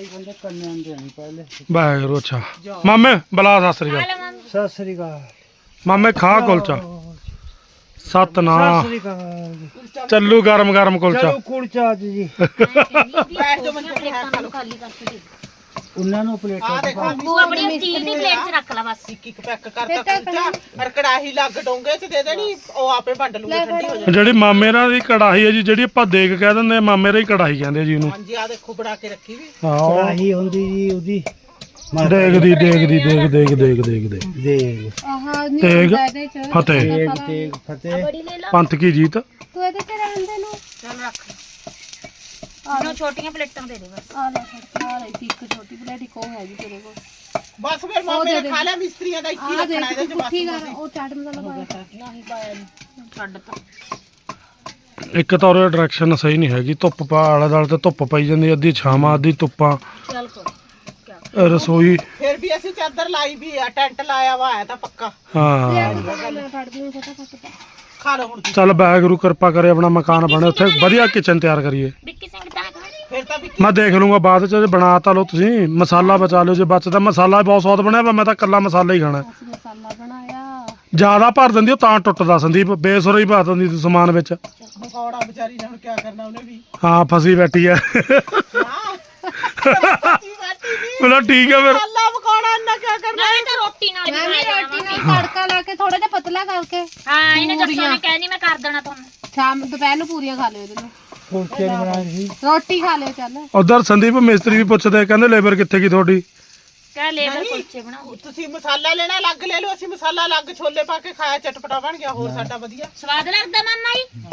[SPEAKER 1] ਵਾਹਿਗੁਰੂ ਅੱਛਾ ਮਾਮੇ ਬਲਾ ਸਤਿ ਸ੍ਰੀ ਅਕਾਲ
[SPEAKER 3] ਲੈ ਮੰਮੀ
[SPEAKER 5] ਸਤਿ ਸ੍ਰੀ ਅਕਾਲ
[SPEAKER 1] ਮਾਮੇ ਖਾ ਕੁਲਚਾ ਸਤ ਨਾ
[SPEAKER 5] ਸਤਿ ਸ੍ਰੀ ਅਕਾਲ
[SPEAKER 1] ਚੱਲੂ ਗਰਮ ਗਰਮ ਕੁਲਚਾ
[SPEAKER 5] ਚਲੋ ਕੁਲਚਾ ਅੱਜ ਜੀ
[SPEAKER 4] ਬੈਠ ਜਾ ਮੰਜੇ ਤੇ
[SPEAKER 3] ਪਲੇਟਾਂ ਨੂੰ ਖਾਲੀ ਕਰਕੇ ਦੇ
[SPEAKER 5] ਉਹਨਾਂ ਨੂੰ ਪਲੇਟਾਂ
[SPEAKER 4] ਆ ਦੇਖੋ
[SPEAKER 3] ਤੂੰ ਆਪਣੀ ਸਟੀਲ ਦੀ ਪਲੇਟ 'ਚ ਰੱਖ ਲੈ ਬਸ
[SPEAKER 4] ਇੱਕ ਇੱਕ ਪੈਕ ਕਰਤਾ ਕੁਲਚਾ ਔਰ ਕੜਾਹੀ ਲੱਗ ਡੋਂਗੇ ਚ ਦੇ ਦੇਣੀ ਉਹ ਆਪੇ ਵੰਡ ਲੂਗੇ ਠੰਡੀ ਹੋ ਜਾਣੀ
[SPEAKER 1] ਜਿਹੜੀ ਮਾਮੇ ਨਾਲ ਦੀ ਕੜਾਹੀ ਹੈ ਜੀ ਜਿਹੜੀ ਆਪਾਂ ਦੇਗ ਕਹਿ ਦਿੰਦੇ ਆ ਮਾਮੇ ਰੀ ਕੜਾਹੀ ਕਹਿੰਦੇ ਆ ਜੀ ਉਹਨੂੰ
[SPEAKER 4] ਹਾਂਜੀ ਆ ਦੇਖੋ ਬਣਾ ਕੇ ਰੱਖੀ ਵੀ
[SPEAKER 1] ਹਾਂ ਉਹ
[SPEAKER 5] ਕੜਾਹੀ ਹੁੰਦੀ ਜੀ ਉਹਦੀ
[SPEAKER 1] ਦੇਗ ਦੀ ਦੇਗ ਦੀ ਦੇਗ ਦੇਗ ਦੇਗ ਦੇਗ ਦੇ
[SPEAKER 5] ਦੇਗ
[SPEAKER 2] ਆਹ ਨਹੀਂ
[SPEAKER 1] ਤੇਗ
[SPEAKER 2] ਹੁੰਦਾ ਇਹਦੇ ਚ
[SPEAKER 1] ਫਤਿਹ
[SPEAKER 5] ਤੇਗ ਤੇਗ ਫਤਿਹ
[SPEAKER 3] ਬੜੀ ਲੈ ਲਾ
[SPEAKER 1] ਪੰਥ ਕੀ ਜੀਤ
[SPEAKER 2] ਤੂੰ ਇਹਦੇ ਚ ਰਹਿਣ ਦੇ ਨੂੰ
[SPEAKER 3] ਚੱਲ ਰੱਖ ਇਹਨੂੰ ਛੋਟੀਆਂ ਪਲੇਟਾਂ ਦੇ ਦੇ ਬਸ
[SPEAKER 2] ਆ ਲੈ ਫੜ ਆ ਲੈ ਇੱਕ ਛੋਟੀ ਪਲੇਟ ਇੱਕ ਉਹ ਹੈਗੀ ਤੇਰੇ ਕੋਲ।
[SPEAKER 4] ਬਸ ਫਿਰ ਮਾਮੇ ਨੇ ਖਾ ਲਿਆ ਮਿਸਤਰੀਆਂ ਦਾ ਇੱਕ ਹੀ
[SPEAKER 2] ਆ ਦੇ
[SPEAKER 4] ਰੱਖਣਾ ਇਹਦੇ ਚ
[SPEAKER 2] ਪੁੱਠੀ ਕਰ ਉਹ ਚਾਟ ਮਸਾਲਾ ਪਾਇਆ
[SPEAKER 3] ਨਹੀਂ ਪਾਇਆ ਨੀ। ਛੱਡ ਤਾ
[SPEAKER 1] ਇੱਕ ਤਾਂ ਉਹ ਡਾਇਰੈਕਸ਼ਨ ਸਹੀ ਨਹੀਂ ਹੈਗੀ ਧੁੱਪ ਪਾ ਆਲੇ ਦੁਆਲੇ ਤੇ ਧੁੱਪ ਪਈ ਜਾਂਦੀ ਅੱਧੀ ਛਾਵਾਂ ਅੱਧੀ ਧੁੱਪਾਂ
[SPEAKER 3] ਚੱਲ ਕੋ
[SPEAKER 1] ਅਹ ਰਸੋਈ
[SPEAKER 4] ਫਿਰ ਵੀ ਅਸੀਂ ਚਾਦਰ ਲਾਈ ਵੀ ਆ ਟੈਂਟ ਲਾਇਆ ਵਾ ਹੈ ਤਾਂ ਪੱਕਾ
[SPEAKER 1] ਹਾਂ
[SPEAKER 2] ਮੈਂ ਫੜਦੀ ਹਾਂ ਫਟਾਫਟ
[SPEAKER 4] ਖਾ ਲਓ ਹੁਣ ਤੁਸੀਂ।
[SPEAKER 1] ਚੱਲ ਵਾਹਿਗੁਰੂ ਕਿਰਪਾ ਕਰੇ ਆਪਣਾ ਮਕਾਨ ਬਣੇ ਉੱਥੇ ਵਧੀਆ ਕਿਚਨ ਤਿਆਰ ਕਰੀਏ
[SPEAKER 3] ਵਿੱਕੀ ਸਿੰਘ ਤਾਂ
[SPEAKER 4] ਫਿਰ ਤਾਂ ਵੀ
[SPEAKER 1] ਮੈਂ ਦੇਖ ਲੂੰਗਾ ਬਾਅਦ ਚ ਜੇ ਬਣਾ ਤਾ ਲਓ ਤੁਸੀਂ ਮਸਾਲਾ ਬਚਾ ਲਿਓ ਜੇ ਬਚਦਾ ਮਸਾਲਾ ਬਹੁਤ ਸਵਾਦ ਬਣਿਆ ਵਾ ਮੈਂ ਤਾਂ ਕੱਲਾ ਮਸਾਲਾ ਹੀ ਖਾਣਾ
[SPEAKER 2] ਅਸੀਂ ਮਸਾਲਾ ਬਣਾਇਆ
[SPEAKER 1] ਜਿਆਦਾ ਭਰ ਦਿੰਦੀ ਉਹ ਤਾਂ ਟੁੱਟਦਾ ਸੰਦੀਪ ਬੇਸੁਰਾ ਹੀ ਪਾ ਦਿੰਦੀ ਤੂੰ ਸਮਾਨ ਵਿੱਚ
[SPEAKER 4] ਮਕੌੜਾ ਵਿਚਾਰੀ ਨੇ ਹੁਣ ਕੀ ਕਰਨਾ ਉਹਨੇ ਵੀ
[SPEAKER 1] ਹਾਂ ਫਸੀ ਬੈਠੀ ਆ
[SPEAKER 4] ਹਾਂ ਸੱਚੀ ਬੈਠੀ ਵੀ
[SPEAKER 1] ਮਤਲਬ ਠੀਕ ਆ ਫਿਰ
[SPEAKER 4] ਅੱਲਾ ਮਕੌੜਾ ਇੰਨਾ ਕੀ ਕਰਨਾ
[SPEAKER 3] ਮੈਂ ਤਾਂ ਰੋਟੀ ਨਾਲ
[SPEAKER 2] ਮੈਂ ਵੀ
[SPEAKER 3] ਖਾਇਆ
[SPEAKER 2] ਰੋਟੀ ਨਾਲ ਤੜਕਾ ਲਾ ਕੇ ਥੋੜਾ ਜਿਹਾ ਪਤਲਾ ਕਰਕੇ
[SPEAKER 3] ਹਾਂ ਇਹਨੇ ਦੱਸੋ ਨੇ ਕਹਿਣੀ ਮੈਂ ਕਰ ਦੇਣਾ ਤੁਹਾਨੂੰ
[SPEAKER 2] ਸ਼ਾਮ ਦੁਪਹਿਰ ਨੂੰ ਪੂਰੀਆਂ ਖਾ ਲਿਓ ਇਹਦੇ ਨਾਲ
[SPEAKER 5] ਕੁਲਚੇ ਨੀ ਬਣਾਏ ਸੀ
[SPEAKER 2] ਰੋਟੀ ਖਾ ਲਿਓ ਚੱਲ
[SPEAKER 1] ਉਧਰ ਸੰਦੀਪ ਮਿਸਤਰੀ ਵੀ ਪੁੱਛਦੇ ਕਹਿੰਦੇ ਲੇਬਰ ਕਿੱਥੇ ਗਈ ਤੁਹਾਡੀ
[SPEAKER 3] ਕਹਿ ਲੇਬਰ ਕੁਲਚੇ ਬਣਾਓ
[SPEAKER 4] ਤੁਸੀਂ ਮਸਾਲਾ ਲੈਣਾ ਅਲੱਗ ਲੈ ਲਓ ਅਸੀਂ ਮਸਾਲਾ ਅਲੱਗ ਛੋਲੇ ਪਾ ਕੇ ਖਾਇਆ ਚਟਪਟਾ ਬਣ ਗਿਆ ਹੋਰ ਸਾਡਾ ਵਧੀਆ
[SPEAKER 3] ਸਵਾਦ ਲੱਗਦਾ ਮਾਮਾ ਜੀ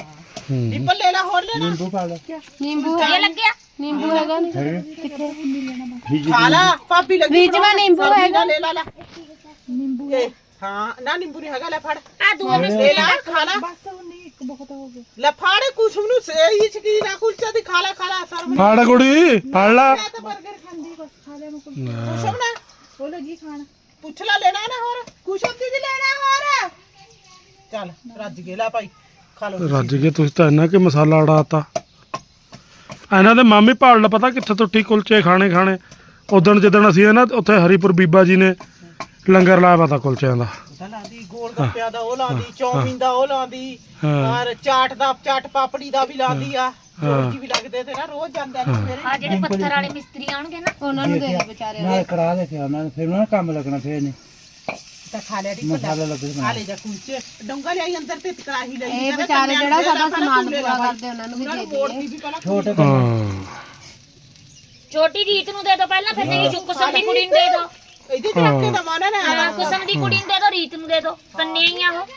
[SPEAKER 1] ਹੂੰ
[SPEAKER 4] ਡਿੱਪਲ ਲੈ ਲਾ ਹੋਰ ਲੈਣਾ
[SPEAKER 5] नींबू पा लो
[SPEAKER 2] ਨਿੰਬੂ
[SPEAKER 3] ਇਹ ਲੱਗਿਆ
[SPEAKER 2] ਨਿੰਬੂ ਹੈਗਾ ਨੀ
[SPEAKER 5] है फ्रिज
[SPEAKER 4] ਖਾ ਲਾ ਭਾਬੀ ਲੱਗੀ
[SPEAKER 2] ਫ੍ਰਿਜ ਮਾ ਨਿੰਬੂ
[SPEAKER 4] ਸਬਜ਼ੀ
[SPEAKER 2] ਹੈਗਾ।
[SPEAKER 4] ਦਾ ਲੈ ਲਾ ਲੈ ਨਿੰਬੂ ਹਾਂ ਨਾ ਨਿੰਬੂ ਨਹੀਂ ਹੈਗਾ ਲੈ ਫੜ
[SPEAKER 3] ਆ ਦੂਆ
[SPEAKER 4] ਲੈ
[SPEAKER 3] ਮਿਸਤਰੀ
[SPEAKER 4] ਲਾ ਖਾ ਲਾ
[SPEAKER 3] ਬਸ ਉਹ ਨਹੀਂ ਇੱਕ ਬਹੁਤ ਹੋ ਗਿਆ
[SPEAKER 4] ਲੈ ਫੜ ਕੁਛ ਨੂੰ ਸਹੀ ਚ ਕੀ ਨਾ ਕੁਲਚਾ ਦੀ ਖਾ ਲਾ ਖਾ ਲਾ ਸਰਵ
[SPEAKER 1] ਫੜ ਕੁੜੀ ਫੜ ਲਾ
[SPEAKER 4] ਮੈਂ ਤਾਂ 버ਗਰ ਖਾਂਦੀ ਬਸ ਖਾ ਲੈ ਮੈਂ ਕੁਛ
[SPEAKER 1] ਲੈ।
[SPEAKER 4] ਕੁਛ ਨਾ ਉਹ ਲੱਗੀ ਖਾਣ ਪੁੱਛ ਲੈ ਲੈਣਾ ਨਾ ਹੋਰ ਕੁਛ ਹੁੰਦੀ ਜੀ ਲੈਣਾ ਹੋਰ ਚੱਲ ਰੱਜ ਗਿਆ ਲੈ ਭਾਈ ਖਾ ਲੋ
[SPEAKER 1] ਰੱਜ ਕੇ ਤੁਸੀਂ ਤਾਂ ਇੰਨਾ ਕਿ ਮਸਾਲਾ ਉਡਾਤਾ ਇਹਨਾਂ ਦੇ ਮਾਮੀ ਭਾਲ ਪਤਾ ਕਿੱਥੇ ਤੋਂ ਟੀ ਕੁਲਚੇ ਖਾਣੇ ਖਾਣੇ ਉਦਣ ਜਿੱਦਣ ਅਸੀਂ ਨਾ ਉੱਥੇ ਹਰੀਪੁਰ ਬੀਬਾ ਜੀ ਨੇ ਲੰਗਰ ਲਾਇਆ ਪਤਾ ਕੁਲਚਿਆਂ ਦਾ
[SPEAKER 4] ਲਾਂਦੀ ਗੋਲ ਗੱਪਿਆਂ ਦਾ ਉਹ ਲਾਂਦੀ ਚੌਮੀਨ ਦਾ ਉਹ ਲਾਂਦੀ
[SPEAKER 1] ਹਾਂ।
[SPEAKER 4] ਔਰ ਚਾਟ ਦਾ ਚਾਟ ਪਾਪੜੀ ਦਾ ਵੀ ਲਾਂਦੀ ਆ ਹੋਰ ਕੀ ਵੀ ਲੱਗਦੇ ਤੇ ਨਾ ਰੋਜ਼ ਜਾਂਦੇ ਨੇ ਸਵੇਰੇ
[SPEAKER 3] ਆ ਜਿਹੜੇ ਪੱਥਰ ਵਾਲੇ ਮਿਸਤਰੀ ਆਉਣਗੇ ਨਾ
[SPEAKER 2] ਉਹਨਾਂ ਨੂੰ ਦੇ ਦੇ ਵਿਚਾਰੇ
[SPEAKER 5] ना करा देते हैं ना फिर ना काम लगना फिर नहीं
[SPEAKER 4] ਤਾਂ ਖਾ ਲਿਆ ਦੀ
[SPEAKER 5] मसाला लग
[SPEAKER 4] ਖਾ ਲੈ ਜਾ ਕੁਲਚੇ ਡੋਂਗਾ ਲਿਆਈ ਅੰਦਰ ਤੇ ਕੜਾਹੀ ਲਈ
[SPEAKER 2] ਇਹ ਵਿਚਾਰੇ ਜਿਹੜਾ ਸਾਡਾ ਸਮਾਨ ਪੂਰਾ ਕਰਦੇ ਉਹਨਾਂ ਨੂੰ ਵੀ ਦੇ
[SPEAKER 4] ਮੋੜਦੀ
[SPEAKER 2] ਦਈਏ
[SPEAKER 4] ਵੀ ਪਹਿਲਾਂ
[SPEAKER 5] छोटे
[SPEAKER 1] ਹਾਂ
[SPEAKER 3] ਛੋਟੀ ਰੀਤ ਨੂੰ ਦੇ ਦੋ ਪਹਿਲਾਂ ਫਿਰ ਮੇਰੀ ਕੁਸਮ ਦੀ ਕੁੜੀ ਨੂੰ ਦੇ ਦੋ
[SPEAKER 4] ਇਹਦੇ ਚ ਰੱਖ ਕੇ ਦਮਾਨਾ ਨਾ
[SPEAKER 3] ਹਾਂ ਕੁਸਮ ਦੀ ਕੁੜੀ ਨੂੰ ਦੇ ਦੋ ਰੀਤ ਨੂੰ ਦੇ ਦੋ ਕੰਨੇ ਹੀ ਆ ਉਹ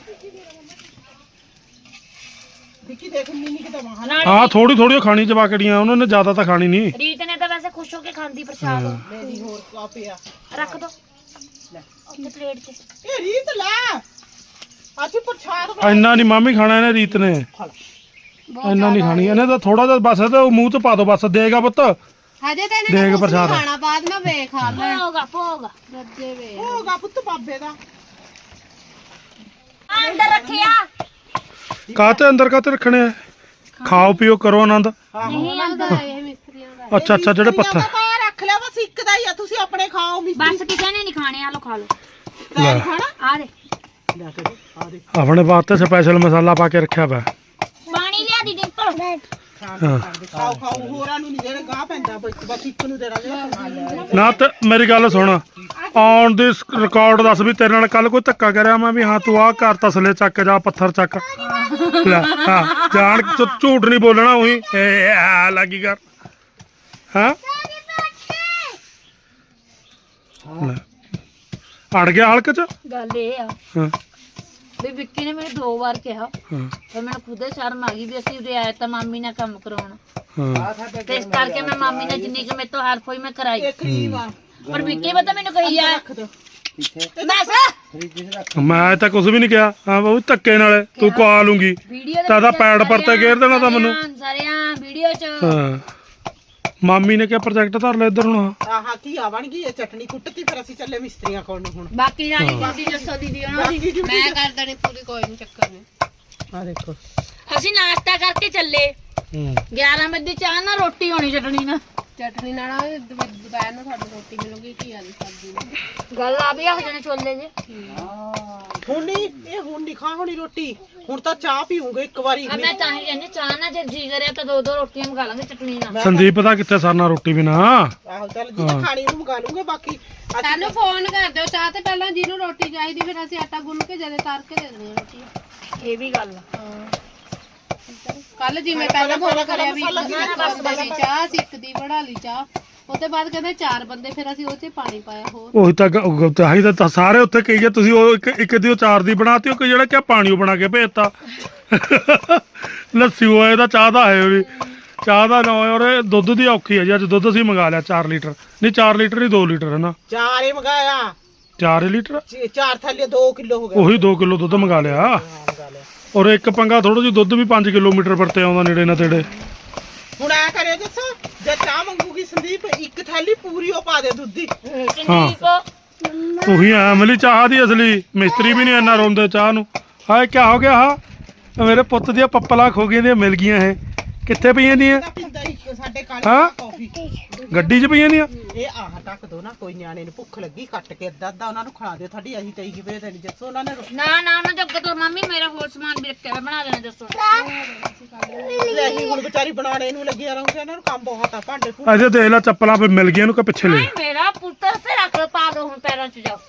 [SPEAKER 4] ਦੇਖੀ ਦੇਖ ਮਿੰਨੀ ਕਿ ਦਮਾ ਹਾਂ
[SPEAKER 3] ਨਾਲ
[SPEAKER 1] ਹਾਂ ਥੋੜੀ ਥੋੜੀ ਖਾਣੀ ਜਵਾਕੜੀਆਂ ਉਹਨਾਂ ਨੇ ਜ਼ਿਆਦਾ ਤਾਂ ਖਾਣੀ ਨਹੀਂ
[SPEAKER 3] ਰੀਤ ਨੇ ਤਾਂ ਵੈਸੇ ਖੁਸ਼ ਹੋ ਕੇ ਖਾਂਦੀ ਪ੍ਰਸ਼ਾਦ
[SPEAKER 4] ਮੇਰੀ ਹੋਰ ਕਾ ਪਿਆ
[SPEAKER 3] ਰੱਖ ਦੋ ਉੱਥੇ ਪਲੇਟ 'ਚ
[SPEAKER 4] ਇਹ ਰੀਤ ਲੈ ਅਸੀਂ ਪ੍ਰਸ਼ਾਦ
[SPEAKER 1] ਇੰਨਾ ਨਹੀਂ ਮਾਮੀ ਖਾਣਾ ਇਹਨੇ ਰੀਤ ਨੇ ਇੰਨਾ ਨਹੀਂ ਖਾਣੀ ਇਹਨੇ ਤਾਂ ਥੋੜਾ ਜਿਹਾ ਬਸ ਤੇ ਉਹ ਮੂੰਹ 'ਚ ਪਾ ਦੋ ਬਸ ਦੇਗਾ ਪੁੱਤ
[SPEAKER 2] ਹਜੇ ਤਾਂ ਇਹਨਾਂ
[SPEAKER 1] ਦੇਖ
[SPEAKER 2] ਨੇ ਕੁਛ ਨੀ
[SPEAKER 1] ਪ੍ਰਸ਼ਾਦ।
[SPEAKER 2] ਖਾਣਾ ਬਾਅਦ ਮੈਂ ਵੇ ਖਾ ਲੈ
[SPEAKER 3] ਭੋਗਾ ਭੋਗਾ
[SPEAKER 2] ਰੱਜੇ ਵੇ
[SPEAKER 4] ਹੋਗਾ ਪੁੱਤ ਬਾਬੇ ਦਾ
[SPEAKER 3] ਅੰਦਰ ਰੱਖਿਆ
[SPEAKER 1] ਕਾਹਤੇ ਅੰਦਰ ਕਾਹਤੇ ਰੱਖਣੇ ਆ ਖਾਓ ਪੀਓ ਕਰੋ ਆਨੰਦ
[SPEAKER 3] ਨਹੀਂ
[SPEAKER 2] ਉਹਦਾ
[SPEAKER 3] ਅੰਦਰ
[SPEAKER 2] ਇਹ ਮਿਸਤਰੀਆਂ ਦਾ
[SPEAKER 1] ਅੱਛਾ ਅੱਛਾ ਜਿਹੜੇ ਪੱਥਰ
[SPEAKER 4] ਤਾਂ ਰੱਖ ਲਿਆ ਬਸ ਇੱਕ ਦਾ ਹੀ ਆ ਤੁਸੀਂ ਆਪਣੇ ਖਾਓ ਮਿਸਤਰੀ
[SPEAKER 3] ਬਸ ਕਿਸੇ ਨੇ ਨਹੀਂ ਖਾਣੇ ਆ ਲੋ ਖਾ ਲੋ
[SPEAKER 4] ਤੈਨੂੰ ਖਾਣਾ
[SPEAKER 3] ਆ ਦੇ
[SPEAKER 4] ਲੈ ਕੇ ਦੇ, ਆ ਦੇ
[SPEAKER 1] ਆਪਣੇ ਵਾਸਤੇ ਸਪੈਸ਼ਲ ਮਸਾਲਾ ਪਾ ਕੇ ਰੱਖਿਆ ਵਾ
[SPEAKER 3] ਪਾਣੀ ਲਿਆ ਦੀ ਡਿੰਪਲ
[SPEAKER 4] ਖਾਣ ਦੇ ਖਾਓ ਖਾਓ ਹੋਰਾਂ ਨੂੰ ਨਹੀਂ ਜਿਹੜੇ ਗਾਹ ਪੈਂਦਾ ਬਸ ਬਸ ਇੱਕ ਨੂੰ ਦੇਣਾ ਜਿਹੜਾ ਸਮਾਨ ਲੈ
[SPEAKER 1] ਨਾ ਤੇ ਮੇਰੀ ਗੱਲ ਸੁਣ ਔਨ ਦੀ ਰਿਕਾਰਡ ਦੱਸ ਵੀ ਤੇਰੇ ਨਾਲ ਕੱਲ ਕੋਈ ਧੱਕਾ ਕਰਿਆ ਮੈਂ ਵੀ ਹਾਂ ਤੂੰ ਆਹ ਘਰ ਤਸਲੇ ਚੱਕ ਜਾ ਪੱਥਰ ਚੱਕ ਲੈ ਹਾਂ ਜਾਣ ਕੇ ਝੂਠ ਨਹੀਂ ਬੋਲਣਾ ਉਹੀ ਇਹ ਆ ਲੱਗੀ ਕਰ ਹਾਂ ਲੈ ਅੜ ਗਿਆ ਹਲਕ ਚ
[SPEAKER 3] ਗੱਲ ਇਹ ਆ
[SPEAKER 1] ਹਾਂ
[SPEAKER 3] ਵੀ ਵਿੱਕੀ ਨੇ ਮੈਨੂੰ ਦੋ ਵਾਰ ਕਿਹਾ
[SPEAKER 1] ਹਾਂ
[SPEAKER 3] ਫਿਰ ਮੈਨੂੰ ਖੁਦ ਸ਼ਰਮ ਆ ਗਈ ਵੀ ਅਸੀਂ ਉਰੇ ਆਏ ਤਾਂ ਮਾਮੀ ਨਾਲ ਕੰਮ ਕਰਾਉਣਾ
[SPEAKER 1] ਹਾਂ
[SPEAKER 3] ਤੇ ਇਸ ਕਰਕੇ ਮੈਂ ਮਾਮੀ ਨਾਲ ਜਿੰਨੀ ਕਿ ਮੇਰੇ ਤੋਂ ਹੈਲਪ ਹੋਈ ਮੈਂ ਕਰਾਈ
[SPEAKER 4] ਇਹ ਕਰੀਮ ਆ
[SPEAKER 3] ਪਰ ਵਿੱਕੀ ਪਤਾ ਮੈਨੂੰ ਕਹੀ ਆ
[SPEAKER 4] ਰੱਖ ਦੋ
[SPEAKER 3] ਬਸ
[SPEAKER 5] फ्रिज में रख
[SPEAKER 1] ਮੈਂ ਤਾਂ ਕੁਝ ਵੀ ਨਹੀਂ ਕਿਹਾ ਹਾਂ ਬਾਬੂ ਧੱਕੇ ਨਾਲ ਤੂੰ ਕਾ ਲੂੰਗੀ
[SPEAKER 3] ਵੀਡੀਓ
[SPEAKER 1] ਤਾਂ ਇਹਦਾ ਪੈਡ ਪਰ ਤੇ ਘੇਰ ਦੇਣਾ ਤਾਂ ਮੈਨੂੰ
[SPEAKER 3] ਸਾਰਿਆਂ ਵੀਡੀਓ ਚ
[SPEAKER 1] ਹਾਂ ਮਾਮੀ ਨੇ ਕਿਹਾ ਪ੍ਰੋਜੈਕਟ ਧਰ ਲੈ ਇੱਧਰ ਹੁਣ
[SPEAKER 4] ਆਹ ਕੀ ਆ ਬਣ ਗਈ ਇਹ ਚਟਨੀ ਕੁੱਟਤੀ ਫਿਰ ਅਸੀਂ ਚੱਲੇ ਮਿਸਤਰੀਆਂ ਕੋਲ ਨੂੰ ਹੁਣ
[SPEAKER 3] ਬਾਕੀ ਜਾਨੀ ਤੁਸੀਂ ਦੱਸੋ ਦੀਦੀ ਉਹਨਾਂ ਦੀ
[SPEAKER 2] ਮੈਂ ਕਰ ਦੇਣੀ ਪੂਰੀ ਕੋਈ ਨਹੀਂ ਚੱਕਰ ਨਹੀਂ
[SPEAKER 4] ਆ ਦੇਖੋ
[SPEAKER 3] ਅਸੀਂ ਨਾਸ਼ਤਾ ਕਰਕੇ ਚੱਲੇ
[SPEAKER 1] ਹੂੰ
[SPEAKER 3] ਗਿਆਰਾਂ ਵਜੇ ਚਾਹ ਨਾਲ ਰੋਟੀ ਹੋਣੀ ਚਟਣੀ ਨਾਲ
[SPEAKER 2] ਚਟਨੀ ਨਾਲ ਦੁਪਹਿਰ ਨੂੰ ਤੁਹਾਨੂੰ ਰੋਟੀ ਮਿਲੂਗੀ ਕੀ ਵਾਲੀ ਸਬਜ਼ੀ ਨਾਲ
[SPEAKER 3] ਗੱਲ ਆ ਵੀ ਆ ਜਣੇ ਛੋਲੇ ਜੇ
[SPEAKER 4] ਹੁਣ ਨਹੀਂ ਇਹ ਹੁਣ ਨਹੀਂ ਖਾ ਹੋਣੀ ਰੋਟੀ ਹੁਣ ਤਾਂ ਚਾਹ ਪੀਉਂਗੇ ਇੱਕ ਵਾਰੀ
[SPEAKER 3] ਆ ਮੈਂ ਤਾਂ ਹੀ ਕਹਿੰਦੀ ਚਾਹ ਨਾਲ ਜੇ ਜੀ ਕਰਿਆ ਤਾਂ ਦੋ ਦੋ ਰੋਟੀਆਂ ਮੰਗਾ ਲਾਂਗੇ ਚਟਣੀ ਨਾਲ
[SPEAKER 1] ਸੰਦੀਪ ਦਾ ਕਿੱਥੇ ਸਰਨਾ ਰੋਟੀ ਬਿਨਾ
[SPEAKER 4] ਆਹੋ ਚੱਲ ਜੀ ਖਾਣੀ ਨੂੰ ਮੰਗਾ ਲੂੰਗੇ ਬਾਕੀ ਅਸੀਂ
[SPEAKER 2] ਸਾਨੂੰ ਫੋਨ ਕਰ ਦਿਓ ਚਾਹ ਤੇ ਪਹਿਲਾਂ ਜਿਹਨੂੰ ਰੋਟੀ ਚਾਹੀਦੀ ਫਿਰ ਅਸੀਂ ਆਟਾ ਗੁੰਨ ਕੇ ਜਦੇ ਤਾਰ ਕੇ ਦੇ ਦੇਣੀ ਰੋਟੀ
[SPEAKER 3] ਇਹ ਵੀ ਗੱਲ ਆ
[SPEAKER 2] ਕੱਲ ਜਿਵੇਂ ਪਹਿਲਾਂ ਫੋਨ ਕਰਿਆ ਵੀ ਇੱਕ ਬੰਦੇ ਦੀ ਚਾਹ ਅਸੀਂ ਇੱਕ ਦੀ ਬਣਾ ਲਈ ਚਾਹ ਉਹਦੇ ਬਾਅਦ ਕਹਿੰਦੇ ਚਾਰ ਬੰਦੇ ਫਿਰ ਅਸੀਂ ਉਹ 'ਚ ਪਾਣੀ ਪਾਇਆ ਹੋਰ
[SPEAKER 1] ਉਹੀ ਤਾਂ ਗ- ਤਾਂ ਹੀ ਤਾਂ ਸਾਰੇ ਉੱਥੇ ਕਹੀ ਆ ਤੁਸੀਂ ਉਹ ਇੱਕ ਇੱਕ ਦੀ ਉਹ ਚਾਰ ਦੀ ਬਣਾਤੀ ਉਹ ਕਿ ਜਿਹੜਾ ਕਿ ਪਾਣੀ ਉਹ ਬਣਾ ਕੇ ਭੇਜਤਾ ਲੱਸੀ ਹੋਏ ਦਾ ਚਾਹ ਦਾ ਹੈ ਵੀ ਚਾਹ ਦਾ ਨਾ ਹੋਏ ਔਰ ਇਹ ਦੁੱਧ ਦੀ ਔਖੀ ਹੈ ਜੀ ਅੱਜ ਦੁੱਧ ਅਸੀਂ ਮੰਗਾ ਲਿਆ ਚਾਰ ਲੀਟਰ ਨਹੀਂ ਚਾਰ ਲੀਟਰ ਨਹੀਂ ਦੋ ਲੀਟਰ ਹੈ ਨਾ
[SPEAKER 4] ਚਾਰ ਹੀ ਮੰਗਾਇਆ
[SPEAKER 1] ਚਾਰ ਹੀ ਲੀਟਰ
[SPEAKER 4] ਚ- ਚਾਰ ਥੱਲੇ ਦੋ ਕਿਲੋ ਹੋ ਗਿਆ
[SPEAKER 1] ਉਹੀ ਦੋ ਕਿਲੋ ਦੁੱਧ ਮੰਗਾ ਲਿਆ
[SPEAKER 4] ਮੰਗਾ ਲਿਆ
[SPEAKER 1] ਔਰ ਇੱਕ ਪੰਗਾ ਥੋੜਾ ਜਿਹਾ ਦੁੱਧ ਵੀ ਪੰਜ ਕਿਲੋਮੀਟਰ ਪਰ ਤੇ ਆਉਂਦਾ ਨੇੜੇ ਨਾ ਤੇੜੇ
[SPEAKER 4] ਹੁਣ ਐ ਕਰਿਓ ਦੱਸੋ ਜੇ ਚਾਹ ਮੰਗੂਗੀ ਸੰਦੀਪ ਇੱਕ ਥੈਲੀ ਪੂਰੀ ਉਹ ਪਾ ਦੇ ਦੁੱਧ ਦੀ
[SPEAKER 3] ਸੰਦੀਪ
[SPEAKER 1] ਉਹੀ ਆ ਅਮਲੀ ਚਾਹ ਦੀ ਅਸਲੀ ਮਿਸਤਰੀ ਵੀ ਨਹੀਂ ਇੰਨਾ ਰੋਂਦੇ ਚਾਹ ਨੂੰ ਹਾਏ ਕੀ ਹੋ ਗਿਆ ਹਾ ਮੇਰੇ ਪੁੱਤ ਦੀਆਂ ਪੱਪਲਾਂ ਖੋ ਗਈਆਂ ਦੀਆਂ ਮਿਲ ਗਈਆਂ ਇਹ ਕਿੱਥੇ ਪਈਆਂ ਦੀਆਂ
[SPEAKER 4] ਤਾਂ ਪਿੰਦਾ ਹੀ ਸਾਡੇ ਕਾਲੀ
[SPEAKER 1] ਹਾਂ?
[SPEAKER 4] ਕਾਫੀ
[SPEAKER 1] ਗੱਡੀ 'ਚ ਪਈਆਂ ਦੀਆਂ
[SPEAKER 4] ਇਹ ਆਹ ਟੱਕ ਦੋ ਨਾ ਕੋਈ ਨਿਆਣੇ ਨੂੰ ਭੁੱਖ ਲੱਗੀ ਕੱਟ ਕੇ ਅੱਧਾ ਅੱਧਾ ਉਹਨਾਂ ਨੂੰ ਖਿਲਾ ਦਿਓ ਤੁਹਾਡੀ ਅਸੀਂ ਤਈ ਕੀ ਵੇਦੇ ਨਹੀਂ ਜੱਸੋ ਉਹਨਾਂ ਨੇ ਰੋ-
[SPEAKER 3] ਨਾ ਨਾ ਉਹਨਾਂ ਜੱਗ ਤੋਂ ਮੰਮੀ ਮੇਰਾ ਹੋਰ ਸਮਾਨ ਵੀ ਰੱਖਿਆ ਹੋਇਆ, ਬਣਾ ਦੇਣਾ ਦੱਸੋ
[SPEAKER 4] ਲੈ ਅਸੀਂ ਹੁਣ ਵਿਚਾਰੀ ਬਣਾਣੇ ਨੂੰ ਲੱਗਿਆ ਰਹੂਗੇ ਇਹਨਾਂ ਨੂੰ ਕੰਮ ਬਹੁਤ ਆ ਭਾਂਡੇ ਭੁੰਡੇ
[SPEAKER 1] ਅਜੇ ਦੇਖ ਲੈ ਚੱਪਲਾਂ ਪੇ ਮਿਲ ਗਈਆਂ ਨੂੰ ਕਿ ਪਿੱਛੇ ਲੈ
[SPEAKER 3] ਨਹੀਂ ਮੇਰਾ ਪੁੱਤਰ ਤੇ ਰੱਖ ਪਾ ਦੋ ਹੁਣ ਪੈਰਾਂ 'ਚ ਜਾਓ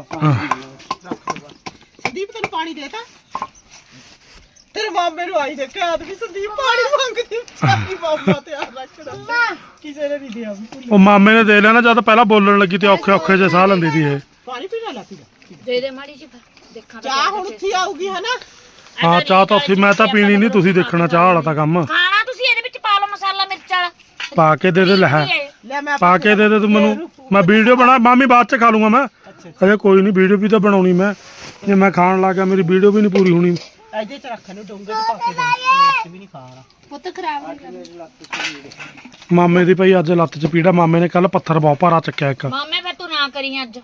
[SPEAKER 4] ਸੰਦੀਪ ਤੈਨੂੰ ਪਾਣੀ ਦੇਤਾ ਤੇਰੇ ਮਾਮੇ ਨੂੰ ਆਈ ਦੇਖਿਆ ਆਦਮੀ ਸੰਦੀਪ ਪਾਣੀ ਮੰਗਦੀ ਸਾਡੀ ਮਾਮਾ ਤੇ ਆ ਰੱਖਣਾ ਕਿਸੇ ਨੇ ਨਹੀਂ ਦਿਆ ਵੀ ਭੁੱਲ।
[SPEAKER 1] ਉਹ ਮਾਮੇ ਨੇ ਦੇ ਲਿਆ ਨਾ ਜਦ ਪਹਿਲਾਂ ਬੋਲਣ ਲੱਗੀ ਤੇ ਔਖੇ ਔਖੇ ਜੇ ਸਾਹ ਲੈਂਦੀ ਸੀ ਇਹ
[SPEAKER 4] ਪਾਣੀ ਪੀਣਾ ਲਾ ਪੀਣਾ
[SPEAKER 3] ਦੇ ਦੇ ਮਾੜੀ ਜੀ ਫਿਰ ਦੇਖਾਂ ਤਾਂ
[SPEAKER 4] ਚਾਹ ਹੁਣ ਉੱਥੇ ਆਊਗੀ ਹਨਾ
[SPEAKER 1] ਹਾਂ ਚਾਹ ਤਾਂ ਉੱਥੇ ਮੈਂ ਤਾਂ ਪੀਣੀ ਨਹੀਂ, ਤੁਸੀਂ ਦੇਖਣਾ ਚਾਹ ਵਾਲਾ ਤਾਂ ਕੰਮ
[SPEAKER 3] ਖਾਣਾ ਤੁਸੀਂ ਇਹਦੇ ਵਿੱਚ ਪਾ ਲਓ ਮਸਾਲਾ ਮਿਰਚ ਵਾਲਾ
[SPEAKER 1] ਪਾ ਕੇ ਦੇ ਦੇ ਲੈ
[SPEAKER 4] ਲੈ ਮੈਂ
[SPEAKER 1] ਪਾ ਕੇ ਦੇ ਦੇ ਤੂੰ ਮੈਨੂੰ, ਮੈਂ ਵੀਡੀਓ ਬਣਾ ਮਾਮੀ ਬਾਅਦ ਚ ਖਾ ਲੂੰਗਾ ਮੈਂ। ਅਜੇ ਕੋਈ ਨਹੀਂ, ਵੀਡੀਓ ਵੀ ਤਾਂ ਬਣਾਉਣੀ ਮੈਂ, ਜੇ ਮੈਂ ਖਾਣ ਲੱਗਾ ਮੇਰੀ ਵੀਡੀਓ ਵੀ ਨਹੀਂ ਪੂਰੀ ਹੋਣੀ।
[SPEAKER 4] ਇਹਦੇ ਚ ਰੱਖ ਨੂੰ ਡੋਂਗੇ ਚ ਪਾ ਕੇ ਦੇ, ਮਿਰਚ ਵੀ ਨਹੀਂ ਖਾਣਾ।
[SPEAKER 2] ਪੁੱਤ ਖਰਾਬ ਹੋ ਗਿਆ।
[SPEAKER 1] ਮਾਮੇ ਦੀ ਭਾਈ ਅੱਜ ਲੱਤ ਚ ਪੀੜਾ, ਮਾਮੇ ਨੇ ਕੱਲ ਪੱਥਰ ਬਹੁਤ ਭਾਰਾ ਚੱਕਿਆ ਇੱਕ।
[SPEAKER 3] ਮਾਮੇ ਫਿਰ ਤੂੰ ਨਾ ਕਰੀ ਅੱਜ।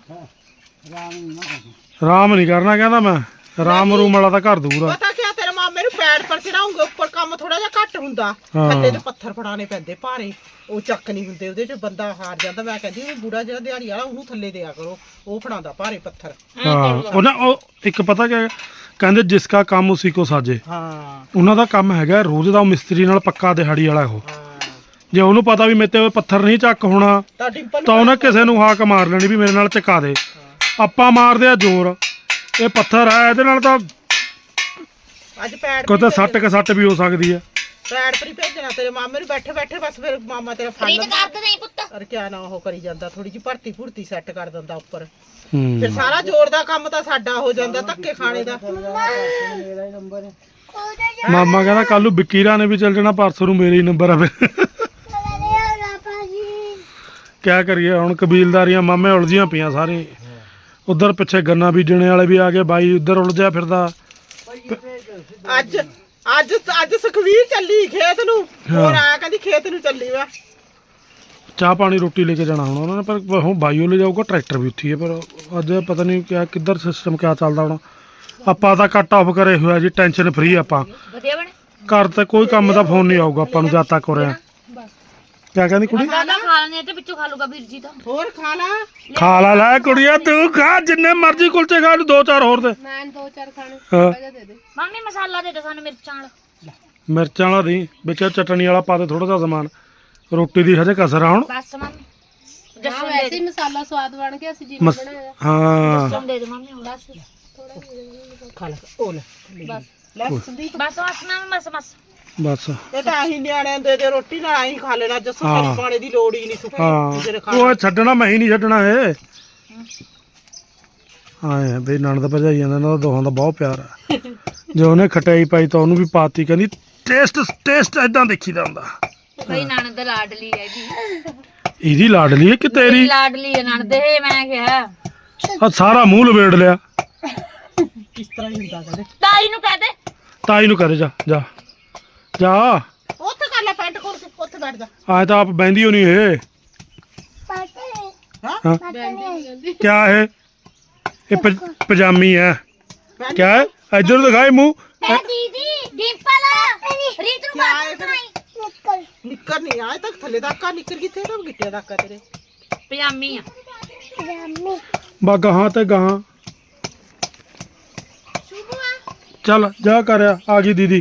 [SPEAKER 1] ਆਰਾਮ ਨਹੀਂ ਕਰਨਾ ਕਹਿੰਦਾ ਮੈਂ, ਰਾਮ ਰੂਮ ਵਾਲਾ ਤਾਂ ਘਰ ਦੂਰ ਆ।
[SPEAKER 4] ਪਤਾ ਕਿਆ ਤੇਰੇ ਮਾਮੇ ਨੂੰ ਪੈੜ ਪਰ ਚੜਾਉਂਗੇ, ਉੱਪਰ ਕੰਮ ਥੋੜਾ ਜਿਹਾ ਘੱਟ ਹੁੰਦਾ,
[SPEAKER 1] ਹਾਂ।
[SPEAKER 4] ਥੱਲੇ ਤੇ ਪੱਥਰ ਫੜਾਣੇ ਪੈਂਦੇ ਭਾਰੇ, ਉਹ ਚੱਕ ਨਹੀਂ ਹੁੰਦੇ, ਉਹਦੇ ਚ ਬੰਦਾ ਹਾਰ ਜਾਂਦਾ। ਮੈਂ ਕਹਿੰਦੀ ਉਹ ਬੁੜਾ ਜਿਹੜਾ ਦਿਹਾੜੀ ਵਾਲਾ ਉਹਨੂੰ ਥੱਲੇ ਦਿਆ ਕਰੋ, ਉਹ ਫੜਾਉਂਦਾ ਭਾਰੇ ਪੱਥਰ।
[SPEAKER 1] ਹਾਂ ਉਹਨਾਂ ਉਹ ਇੱਕ ਪਤਾ ਕਿ ਕਹਿੰਦੇ ਜਿਸ ਕਾ ਕੰਮ ਉਸੀ ਕੋ ਸਾਜੇ,
[SPEAKER 4] ਹਾਂ
[SPEAKER 1] ਉਹਨਾਂ ਦਾ ਕੰਮ ਹੈਗਾ ਰੋਜ਼ ਦਾ, ਉਹ ਮਿਸਤਰੀ ਨਾਲ ਪੱਕਾ ਦਿਹਾੜੀ ਵਾਲਾ ਉਹ।
[SPEAKER 4] ਹਾਂ
[SPEAKER 1] ਜੇ ਉਹਨੂੰ ਪਤਾ ਵੀ ਮੇਰੇ ਤੇ ਪੱਥਰ ਨਹੀਂ ਚੱਕ ਹੋਣਾ
[SPEAKER 4] ਤਾਂ ਡਿੰਪਲ
[SPEAKER 1] ਤਾਂ ਉਹਨੇ ਕਿਸੇ ਨੂੰ ਹਾਕ ਮਾਰ ਲੈਣੀ ਵੀ ਮੇਰੇ ਨਾਲ ਚਕਾ ਦੇ। ਆਪਾਂ ਮਾਰਦੇ ਆ ਜ਼ੋਰ, ਇਹ ਪੱਥਰ ਆ ਇਹਦੇ ਨਾਲ ਤਾਂ
[SPEAKER 4] ਅੱਜ ਪੈੜ
[SPEAKER 1] ਕੋਈ ਤਾਂ ਸੱਟ ਕੇ ਸੱਟ ਵੀ ਹੋ ਸਕਦੀ ਹੈ।
[SPEAKER 4] ਪੈੜ ਪਰ ਹੀ ਭੇਜਣਾ ਤੇਰੇ ਮਾਮੇ ਨੂੰ, ਬੈਠੇ ਬੈਠੇ ਬਸ ਫਿਰ ਮਾਮਾ ਤੇਰਾ ਫੜ
[SPEAKER 3] ਰੀਤ
[SPEAKER 4] ਲੈਂਦਾ।
[SPEAKER 3] ਕਰ ਦੇ ਨਹੀਂ ਪੁੱਤ।
[SPEAKER 4] ਅਰ ਕਿਆ ਨਾ ਉਹ ਕਰੀ ਜਾਂਦਾ, ਥੋੜੀ ਜਿਹੀ ਭਰਤੀ ਭੁਰਤੀ ਸੈੱਟ ਕਰ ਦਿੰਦਾ ਉੱਪਰ,
[SPEAKER 1] ਹੂੰ
[SPEAKER 4] ਫਿਰ ਸਾਰਾ ਜ਼ੋਰ ਦਾ ਕੰਮ ਤਾਂ ਸਾਡਾ ਹੋ ਜਾਂਦਾ, ਧੱਕੇ ਖਾਣੇ ਦਾ।
[SPEAKER 1] ਮਾਮਾ ਕਹਿੰਦਾ ਕੱਲ ਨੂੰ ਬਿੱਕੀਰਾ ਨੇ ਵੀ ਚੱਲ ਜਾਣਾ, ਪਰਸੋਂ ਨੂੰ ਮੇਰੇ ਹੀ ਨੰਬਰ ਆਵੇ। ਕਿਆ ਕਰੀਏ ਹੁਣ, ਕਬੀਲਦਾਰੀਆਂ ਮਾਮੇ ਉਲਝੀਆਂ ਪਈਆਂ ਸਾਰੇ। ਉਧਰ ਪਿੱਛੇ ਗੰਨਾ ਬੀਜਣੇ ਵਾਲੇ ਵੀ ਆ ਗਏ, ਬਾਈ ਉਧਰ ਉਲਝਿਆ ਫਿਰਦਾ।
[SPEAKER 4] ਅੱਜ ਅੱਜ ਅੱਜ ਸੁਖਵੀਰ ਚੱਲੀ ਖੇਤ ਨੂੰ, ਹੋਰ ਆਇਆ ਕਹਿੰਦੀ ਖੇਤ ਨੂੰ ਚੱਲੀ ਵਾ।
[SPEAKER 1] ਚਾਹ ਪਾਣੀ ਰੋਟੀ ਲੈ ਕੇ ਜਾਣਾ ਹੁਣ ਉਹਨਾਂ ਨੇ, ਪਰ ਹੁਣ ਬਾਈਓ ਲੈ ਜਾਊਗਾ, ਟਰੈਕਟਰ ਵੀ ਉੱਥੇ ਹੀ ਹੈ। ਪਰ ਅੱਜ ਪਤਾ ਨਹੀਂ ਕਿਆ ਕਿੱਧਰ ਸਿਸਟਮ ਕਿਆ ਚੱਲਦਾ ਹੁਣ। ਆਪਾਂ ਤਾਂ ਕੱਟ ਆਫ ਕਰੇ ਹੋਇਆ ਜੀ, ਟੈਨਸ਼ਨ ਫਰੀ ਆਪਾਂ।
[SPEAKER 3] ਵਧੀਆ ਬਣੇ।
[SPEAKER 1] ਘਰ ਤੇ ਕੋਈ ਕੰਮ ਦਾ ਫੋਨ ਨਹੀਂ ਆਊਗਾ ਆਪਾਂ ਨੂੰ ਜਦ ਤੱਕ ਹੋ ਰਿਹਾ। ਕਿਆ ਕਹਿੰਦੀ ਕੁੜੀ?
[SPEAKER 3] ਮਸਾਲਾ ਖਾ ਲੈਣੇ ਤੇ ਵਿੱਚੋਂ ਖਾ ਲੂਗਾ ਵੀਰ ਜੀ ਤਾਂ।
[SPEAKER 4] ਹੋਰ ਖਾ ਲਾ।
[SPEAKER 1] ਖਾ ਲਾ ਲੈ ਕੁੜੀਆ, ਤੂੰ ਖਾ ਜਿੰਨੇ ਮਰਜ਼ੀ ਕੁਲਚੇ ਖਾ, ਦੋ ਚਾਰ ਹੋਰ ਦੇ।
[SPEAKER 2] ਮੈਂ ਦੋ ਚਾਰ ਖਾਣੇ
[SPEAKER 1] ਹਾਂ।
[SPEAKER 2] ਵਜਾ ਦੇ ਦੇ।
[SPEAKER 3] ਮੰਮੀ ਮਸਾਲਾ ਦੇ ਦੇ ਸਾਨੂੰ ਮਿਰਚਾਂ ਵਾਲਾ।
[SPEAKER 1] ਮਿਰਚਾਂ ਵਾਲਾ ਦੀ ਵਿੱਚ ਚਟਣੀ ਵਾਲਾ ਪਾ ਦੇ ਥੋੜਾ ਜਿਹਾ ਸਮਾਨ। ਰੋਟੀ ਦੀ ਹਜੇ ਕਸਰ ਆ ਹੁਣ।
[SPEAKER 3] ਬਸ ਮੰਮੀ
[SPEAKER 2] ਹਾਂ
[SPEAKER 3] ਜੱਸੂ ਦੇ
[SPEAKER 2] ਵੈਸੇ
[SPEAKER 3] ਦੇ।
[SPEAKER 2] ਹੀ ਮਸਾਲਾ ਸਵਾਦ ਬਣ ਗਿਆ, ਅਸੀਂ ਜਿਵੇਂ
[SPEAKER 1] ਮਸ
[SPEAKER 2] ਬਣਾਇਆ।
[SPEAKER 1] ਹਾਂ
[SPEAKER 3] ਜੱਸੂ ਦੇ ਦੇ ਮੰਮੀ ਹੁਣ ਬਸ
[SPEAKER 4] ਖਾ ਲੈ ਉਹ ਲੈ
[SPEAKER 2] ਬਸ
[SPEAKER 4] ਲੈ ਸੰਦੀਪ,
[SPEAKER 3] ਬਸ ਬਸ ਮੰਮੀ ਬਸ ਬਸ।
[SPEAKER 1] ਬਸ
[SPEAKER 4] ਇਹ ਤਾਂ ਆਹੀ ਨਿਆਣਿਆਂ ਦੇ ਦੇ ਰੋਟੀ ਨਾਲ ਆਹੀ ਖਾ ਲੈਣਾ, ਜੱਸੂ
[SPEAKER 1] ਹਾਂ।
[SPEAKER 4] ਪਾਣੀ ਪਾਣੇ ਦੀ ਲੋੜ ਹੀ ਨਹੀਂ ਸੁੱਕੀ ਕਿਸੇ ਨੇ
[SPEAKER 1] ਹਾਂ
[SPEAKER 4] ਖਾਣਾ।
[SPEAKER 1] ਉਹ ਛੱਡਣਾ ਮੈਂ ਹੀ ਨਹੀਂ ਛੱਡਣਾ ਇਹ। ਹਾਂ ਬਈ ਨਣਦ ਭਜਾਈ ਜਾਂਦਾ, ਇਹਨਾਂ ਦਾ ਦੋਹਾਂ ਦਾ ਬਹੁਤ ਪਿਆਰ ਆ। ਜੇ ਉਹਨੇ ਖਟਾਈ ਪਾਈ ਤਾਂ ਉਹਨੂੰ ਵੀ ਪਾਤੀ, ਕਹਿੰਦੀ ਟੇਸਟ ਟੇਸਟ ਏਦਾਂ ਦੇਖੀਦਾ ਹੁੰਦਾ।
[SPEAKER 3] ਬਈ ਨਣਦ ਲਾਡਲੀ ਹੈ ਜੀ।
[SPEAKER 1] ਇਹਦੀ ਲਾਡਲੀ ਹੈ ਕਿ ਤੇਰੀ?
[SPEAKER 3] ਲਾਡਲੀ ਹੈ ਨਣਦ ਇਹ, ਮੈਂ ਕਿਹਾ
[SPEAKER 1] ਆ ਸਾਰਾ ਮੂੰਹ ਲਵੇੜ ਲਿਆ।
[SPEAKER 4] ਕਿਸ ਤਰ੍ਹਾਂ ਹੀ ਹੁੰਦਾ ਕਹਿੰਦੇ।
[SPEAKER 3] ਤਾਈ ਨੂੰ ਕਹਿ ਦੇ।
[SPEAKER 1] ਤਾਈ ਨੂੰ ਕਹਦੇ ਜਾ ਜਾ ਜਾ,
[SPEAKER 4] ਉੱਥੇ ਕਰ ਲੈ ਪੈਂਟ ਕੋਲ ਕੇ, ਉੱਥੇ ਬੈਠ ਜਾ।
[SPEAKER 1] ਆਏ ਤਾਂ ਆਪ ਬਹਿੰਦੀ ਹੋ ਨਹੀਂ ਇਹ।
[SPEAKER 4] ਹਾਂ
[SPEAKER 1] ਹਾਂ
[SPEAKER 2] ਕਹਿੰਦੀ
[SPEAKER 1] ਕਿਆ ਹੈ ਇਹ? ਪ- ਪਜਾਮੀ ਹੈ।
[SPEAKER 4] ਪੈਂਟ
[SPEAKER 1] ਕਿਆ ਹੈ? ਇੱਧਰ ਨੂੰ ਦਿਖਾਈ ਮੂੰਹ।
[SPEAKER 3] ਐ ਦੀਦੀ ਡਿੰਪਲ ਰੀਤ ਨੂੰ
[SPEAKER 4] ਕਿਆ
[SPEAKER 3] ਬਾਤ
[SPEAKER 4] ਹੈ ਫਿਰ?
[SPEAKER 3] ਸੁਣਾਈ।
[SPEAKER 4] ਨਿੱਕਰ ਨਹੀਂ ਆਏ ਤੱਕ ਥੱਲੇ ਤੱਕ ਆ, ਨਿੱਕਰ ਕਿੱਥੇ ਤਾਂ ਗਿੱਟੇ ਤੱਕ ਆ ਤੇਰੇ।
[SPEAKER 3] ਪਜਾਮੀ ਆ।
[SPEAKER 1] ਬਾ ਗਾਹਾਂ ਤੇ ਗਾਹਾਂ ਚੱਲ ਜਾ ਕਰਿਆ, ਆ ਗਈ ਦੀਦੀ।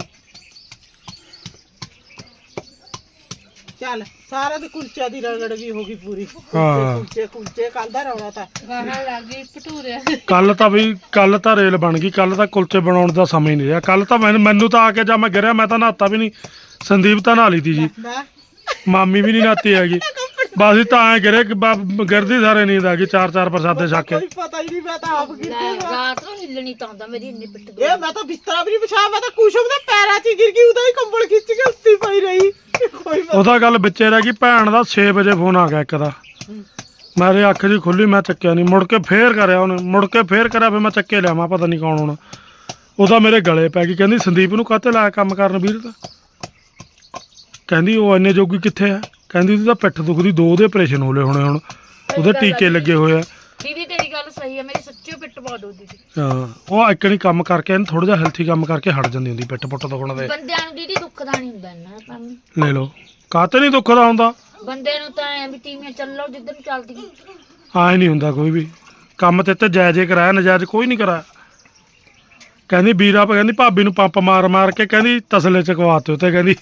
[SPEAKER 4] ਚੱਲ ਸਾਰਾ ਦੀ ਕੁਲਚਾ ਦੀ ਰਗੜ ਵੀ ਹੋ ਗਈ ਪੂਰੀ।
[SPEAKER 1] ਹਾਂ।
[SPEAKER 4] ਕੁਲਚੇ ਕੁਲਚੇ ਕੱਲ ਦਾ ਰੌਲਾ ਤਾਂ।
[SPEAKER 2] ਗਾਹਾਂ ਲੱਗ ਗਈ ਭਟੂਰੇ।
[SPEAKER 1] ਕੱਲ ਤਾਂ ਵੀ ਕੱਲ ਤਾਂ ਰੇਲ ਬਣ ਗਈ, ਕੱਲ ਤਾਂ ਕੁਲਚੇ ਬਣਾਉਣ ਦਾ ਸਮਾਂ ਹੀ ਨਹੀਂ ਰਿਹਾ। ਕੱਲ ਤਾਂ ਮੈਨੂੰ ਮੈਨੂੰ ਤਾਂ ਆ ਕੇ ਜਾਂ ਮੈਂ ਗਿਰਿਆ, ਮੈਂ ਤਾਂ ਨਹਾਤਾ ਵੀ ਨਹੀਂ। ਸੰਦੀਪ ਤਾਂ ਨਹਾ ਲਈ ਤੀ ਜੀ,
[SPEAKER 4] ਮੈਂ
[SPEAKER 1] ਮਾਮੀ ਵੀ ਨਹੀਂ ਨਹਾਤੀ ਹੈਗੀ। ਬਸ ਇਹ ਤਾਂ ਐ ਗਿਰੇ ਕਿ ਬ- ਗਿਰਦੀ ਸਾਰੇ ਨੀਂਦ ਆ ਗਈ, ਚਾਰ ਚਾਰ ਪ੍ਰਸਾਦੇ ਛੱਕ ਕੇ।
[SPEAKER 4] ਕੋਈ ਪਤਾ ਹੀ ਨਹੀਂ, ਮੈਂ ਤਾਂ ਆਪ ਗਿਰਦੇ।
[SPEAKER 3] ਰਾਤ ਨੂੰ ਹਿੱਲਣੀ ਤਾਂ ਹੁੰਦਾ ਮੇਰੀ ਇੰਨੀ ਪਿੱਠ
[SPEAKER 4] ਇਹ ਮੈਂ ਤਾਂ ਬਿਸਤਰਾ ਵੀ ਨਹੀਂ ਵਿਛਾਇਆ, ਮੈਂ ਤਾਂ ਕੁਸ਼ਮ ਦੇ ਪੈਰਾਂ 'ਚ ਹੀ ਗਿਰ ਗਈ, ਉਹਦਾ ਹੀ ਕੰਬਲ ਖਿੱਚ ਕੇ ਉੱਤੀ ਪਈ ਰਹੀ। ਕੋਈ ਪਤਾ
[SPEAKER 1] ਉਹਦਾ ਗੱਲ ਵਿੱਚੇ ਰਹਿ ਗਈ। ਭੈਣ ਦਾ ਛੇ ਵਜੇ ਫੋਨ ਆ ਗਿਆ ਇੱਕ ਦਾ, ਮੇਰੇ ਅੱਖ ਜੀ ਖੁੱਲੀ, ਮੈਂ ਚੱਕਿਆ ਨਹੀਂ। ਮੁੜ ਕੇ ਫੇਰ ਕਰਿਆ ਉਹਨੇ, ਮੁੜ ਕੇ ਫੇਰ ਕਰਿਆ, ਫਿਰ ਮੈਂ ਚੱਕੇ ਲਿਆ। ਮੈਂ ਪਤਾ ਨਹੀਂ ਕੌਣ ਹੋਣਾ। ਉਹਦਾ ਮੇਰੇ ਗਲੇ ਪੈ ਗਈ, ਕਹਿੰਦੀ ਸੰਦੀਪ ਨੂੰ ਕਾਹਤੇ ਲਾਇਆ ਕੰਮ ਕਰਨ ਵੀਰ ਦਾ। ਕਹਿੰਦੀ ਉਹ ਇੰਨੇ ਜੋਗੀ ਕਿੱਥੇ ਆ, ਕਹਿੰਦੀ ਉਹਦੀ ਤਾਂ ਪਿੱਠ ਦੁਖਦੀ, ਦੋ ਉਹਦੇ ਆਪਰੇਸ਼ਨ ਹੋਲੇ ਹੋਣੇ ਹੁਣ, ਉਹਦੇ ਟੀਕੇ ਲੱਗੇ ਹੋਏ ਆ।
[SPEAKER 3] ਦੀਦੀ ਤੇਰੀ ਗੱਲ ਸਹੀ ਹੈ, ਮੇਰੀ ਸੱਚੀ ਪਿੱਠ ਬਹੁਤ ਦੁਖਦੀ ਸੀ।
[SPEAKER 1] ਹਾਂ ਉਹ ਇੱਕ ਨਹੀਂ ਕੰਮ ਕਰਕੇ ਇਹਨੂੰ ਥੋੜਾ ਜਿਹਾ ਹੈਲਥੀ ਕੰਮ ਕਰਕੇ ਹਟ ਜਾਂਦੀ ਹੁੰਦੀ ਪਿੱਠ ਪੁੱਟ ਦੁਖਣ ਦੇ।
[SPEAKER 3] ਬੰਦਿਆਂ ਨੂੰ ਦੀਦੀ ਦੁੱਖ ਦਾ ਨਹੀਂ ਹੁੰਦਾ ਇੰਨਾ ਕੰਮ।
[SPEAKER 1] ਲੈ ਲਓ, ਕਾਹਤੇ ਨਹੀਂ ਦੁੱਖ ਦਾ ਹੁੰਦਾ।
[SPEAKER 3] ਬੰਦੇ ਨੂੰ ਤਾਂ ਐ ਵੀ ਟੀਵੀਆਂ ਚੱਲੋ ਜਿੱਧਰ ਨੂੰ ਚੱਲਦੀ।
[SPEAKER 1] ਆਏ ਨਹੀਂ ਹੁੰਦਾ ਕੋਈ ਵੀ ਕੰਮ ਤੇ ਤੇ ਜਾਇਜ਼ੇ ਕਰਾਇਆ, ਨਜਾਇਜ਼ ਕੋਈ ਨਹੀਂ ਕਰਾਇਆ। ਕਹਿੰਦੀ ਵੀਰਾ ਕਹਿੰਦੀ ਭਾਬੀ ਨੂੰ ਪੰਪ ਮਾਰ ਮਾਰ ਕੇ ਕਹਿੰਦੀ ਤਸਲੇ ਚਕਵਾਤੇ ਉੱਤੇ, ਕਹਿੰਦੀ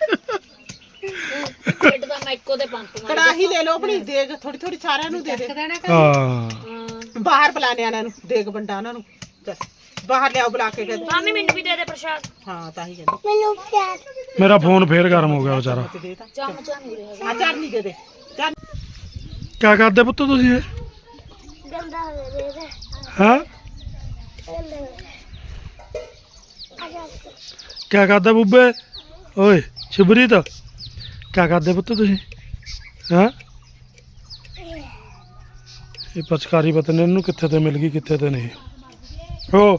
[SPEAKER 3] ਪਿੱਠ ਦਾ ਮੈਕੋ ਦੇ ਪੰਪ ਮਾਰ।
[SPEAKER 4] ਕੜਾਹੀ ਲੈ ਲਓ ਆਪਣੀ, ਦੇਗ ਥੋੜੀ ਥੋੜੀ ਸਾਰਿਆਂ ਨੂੰ ਦੇ ਦੇ।
[SPEAKER 2] ਦੇਣਾ
[SPEAKER 1] ਹਾਂ
[SPEAKER 3] ਹਾਂ
[SPEAKER 4] ਬਾਹਰ ਬੁਲਾ ਨਿਆਣਿਆਂ ਨੂੰ, ਦੇਗ ਵੰਡਾ ਉਹਨਾਂ ਨੂੰ। ਚੱਲ ਬਾਹਰ ਲਿਆਓ ਬੁਲਾ ਕੇ ਕਹਿੰਦੇ।
[SPEAKER 3] ਮਾਮੀ ਮੈਨੂੰ ਵੀ ਦੇ ਦੇ ਪ੍ਰਸ਼ਾਦ।
[SPEAKER 4] ਹਾਂ ਤਾਂ ਹੀ ਕਹਿੰਦੇ
[SPEAKER 1] ਮੇਰਾ ਫੋਨ ਫੇਰ ਗਰਮ ਹੋ ਗਿਆ ਵਿਚਾਰਾ।
[SPEAKER 4] ਦੇ ਤਾਂ
[SPEAKER 3] ਚਮਚਾ ਨਹੀਂ ਰਿਹਾ।
[SPEAKER 4] ਆ ਚਰਨੀ ਦੇ ਦੇ ਚੱਲ।
[SPEAKER 1] ਕਿਆ ਕਰਦੇ ਪੁੱਤ ਤੁਸੀਂ ਇਹ? ਹਾਂ ਕਿਆ ਕਰਦਾ ਬੁੱਬੇ ਓਏ ਸ਼ੁਭਰੀਤ ਕਿਆ ਕਰਦੇ ਪੁੱਤ ਤੁਸੀਂ ਹੈਂ ਇਹ ਪਚਕਾਰੀ ਪਤਾ ਨਹੀਂ ਇਹਨੂੰ ਕਿੱਥੇ ਤੇ ਮਿਲ ਗਈ ਕਿੱਥੇ ਤੇ ਨਹੀਂ ਹੋ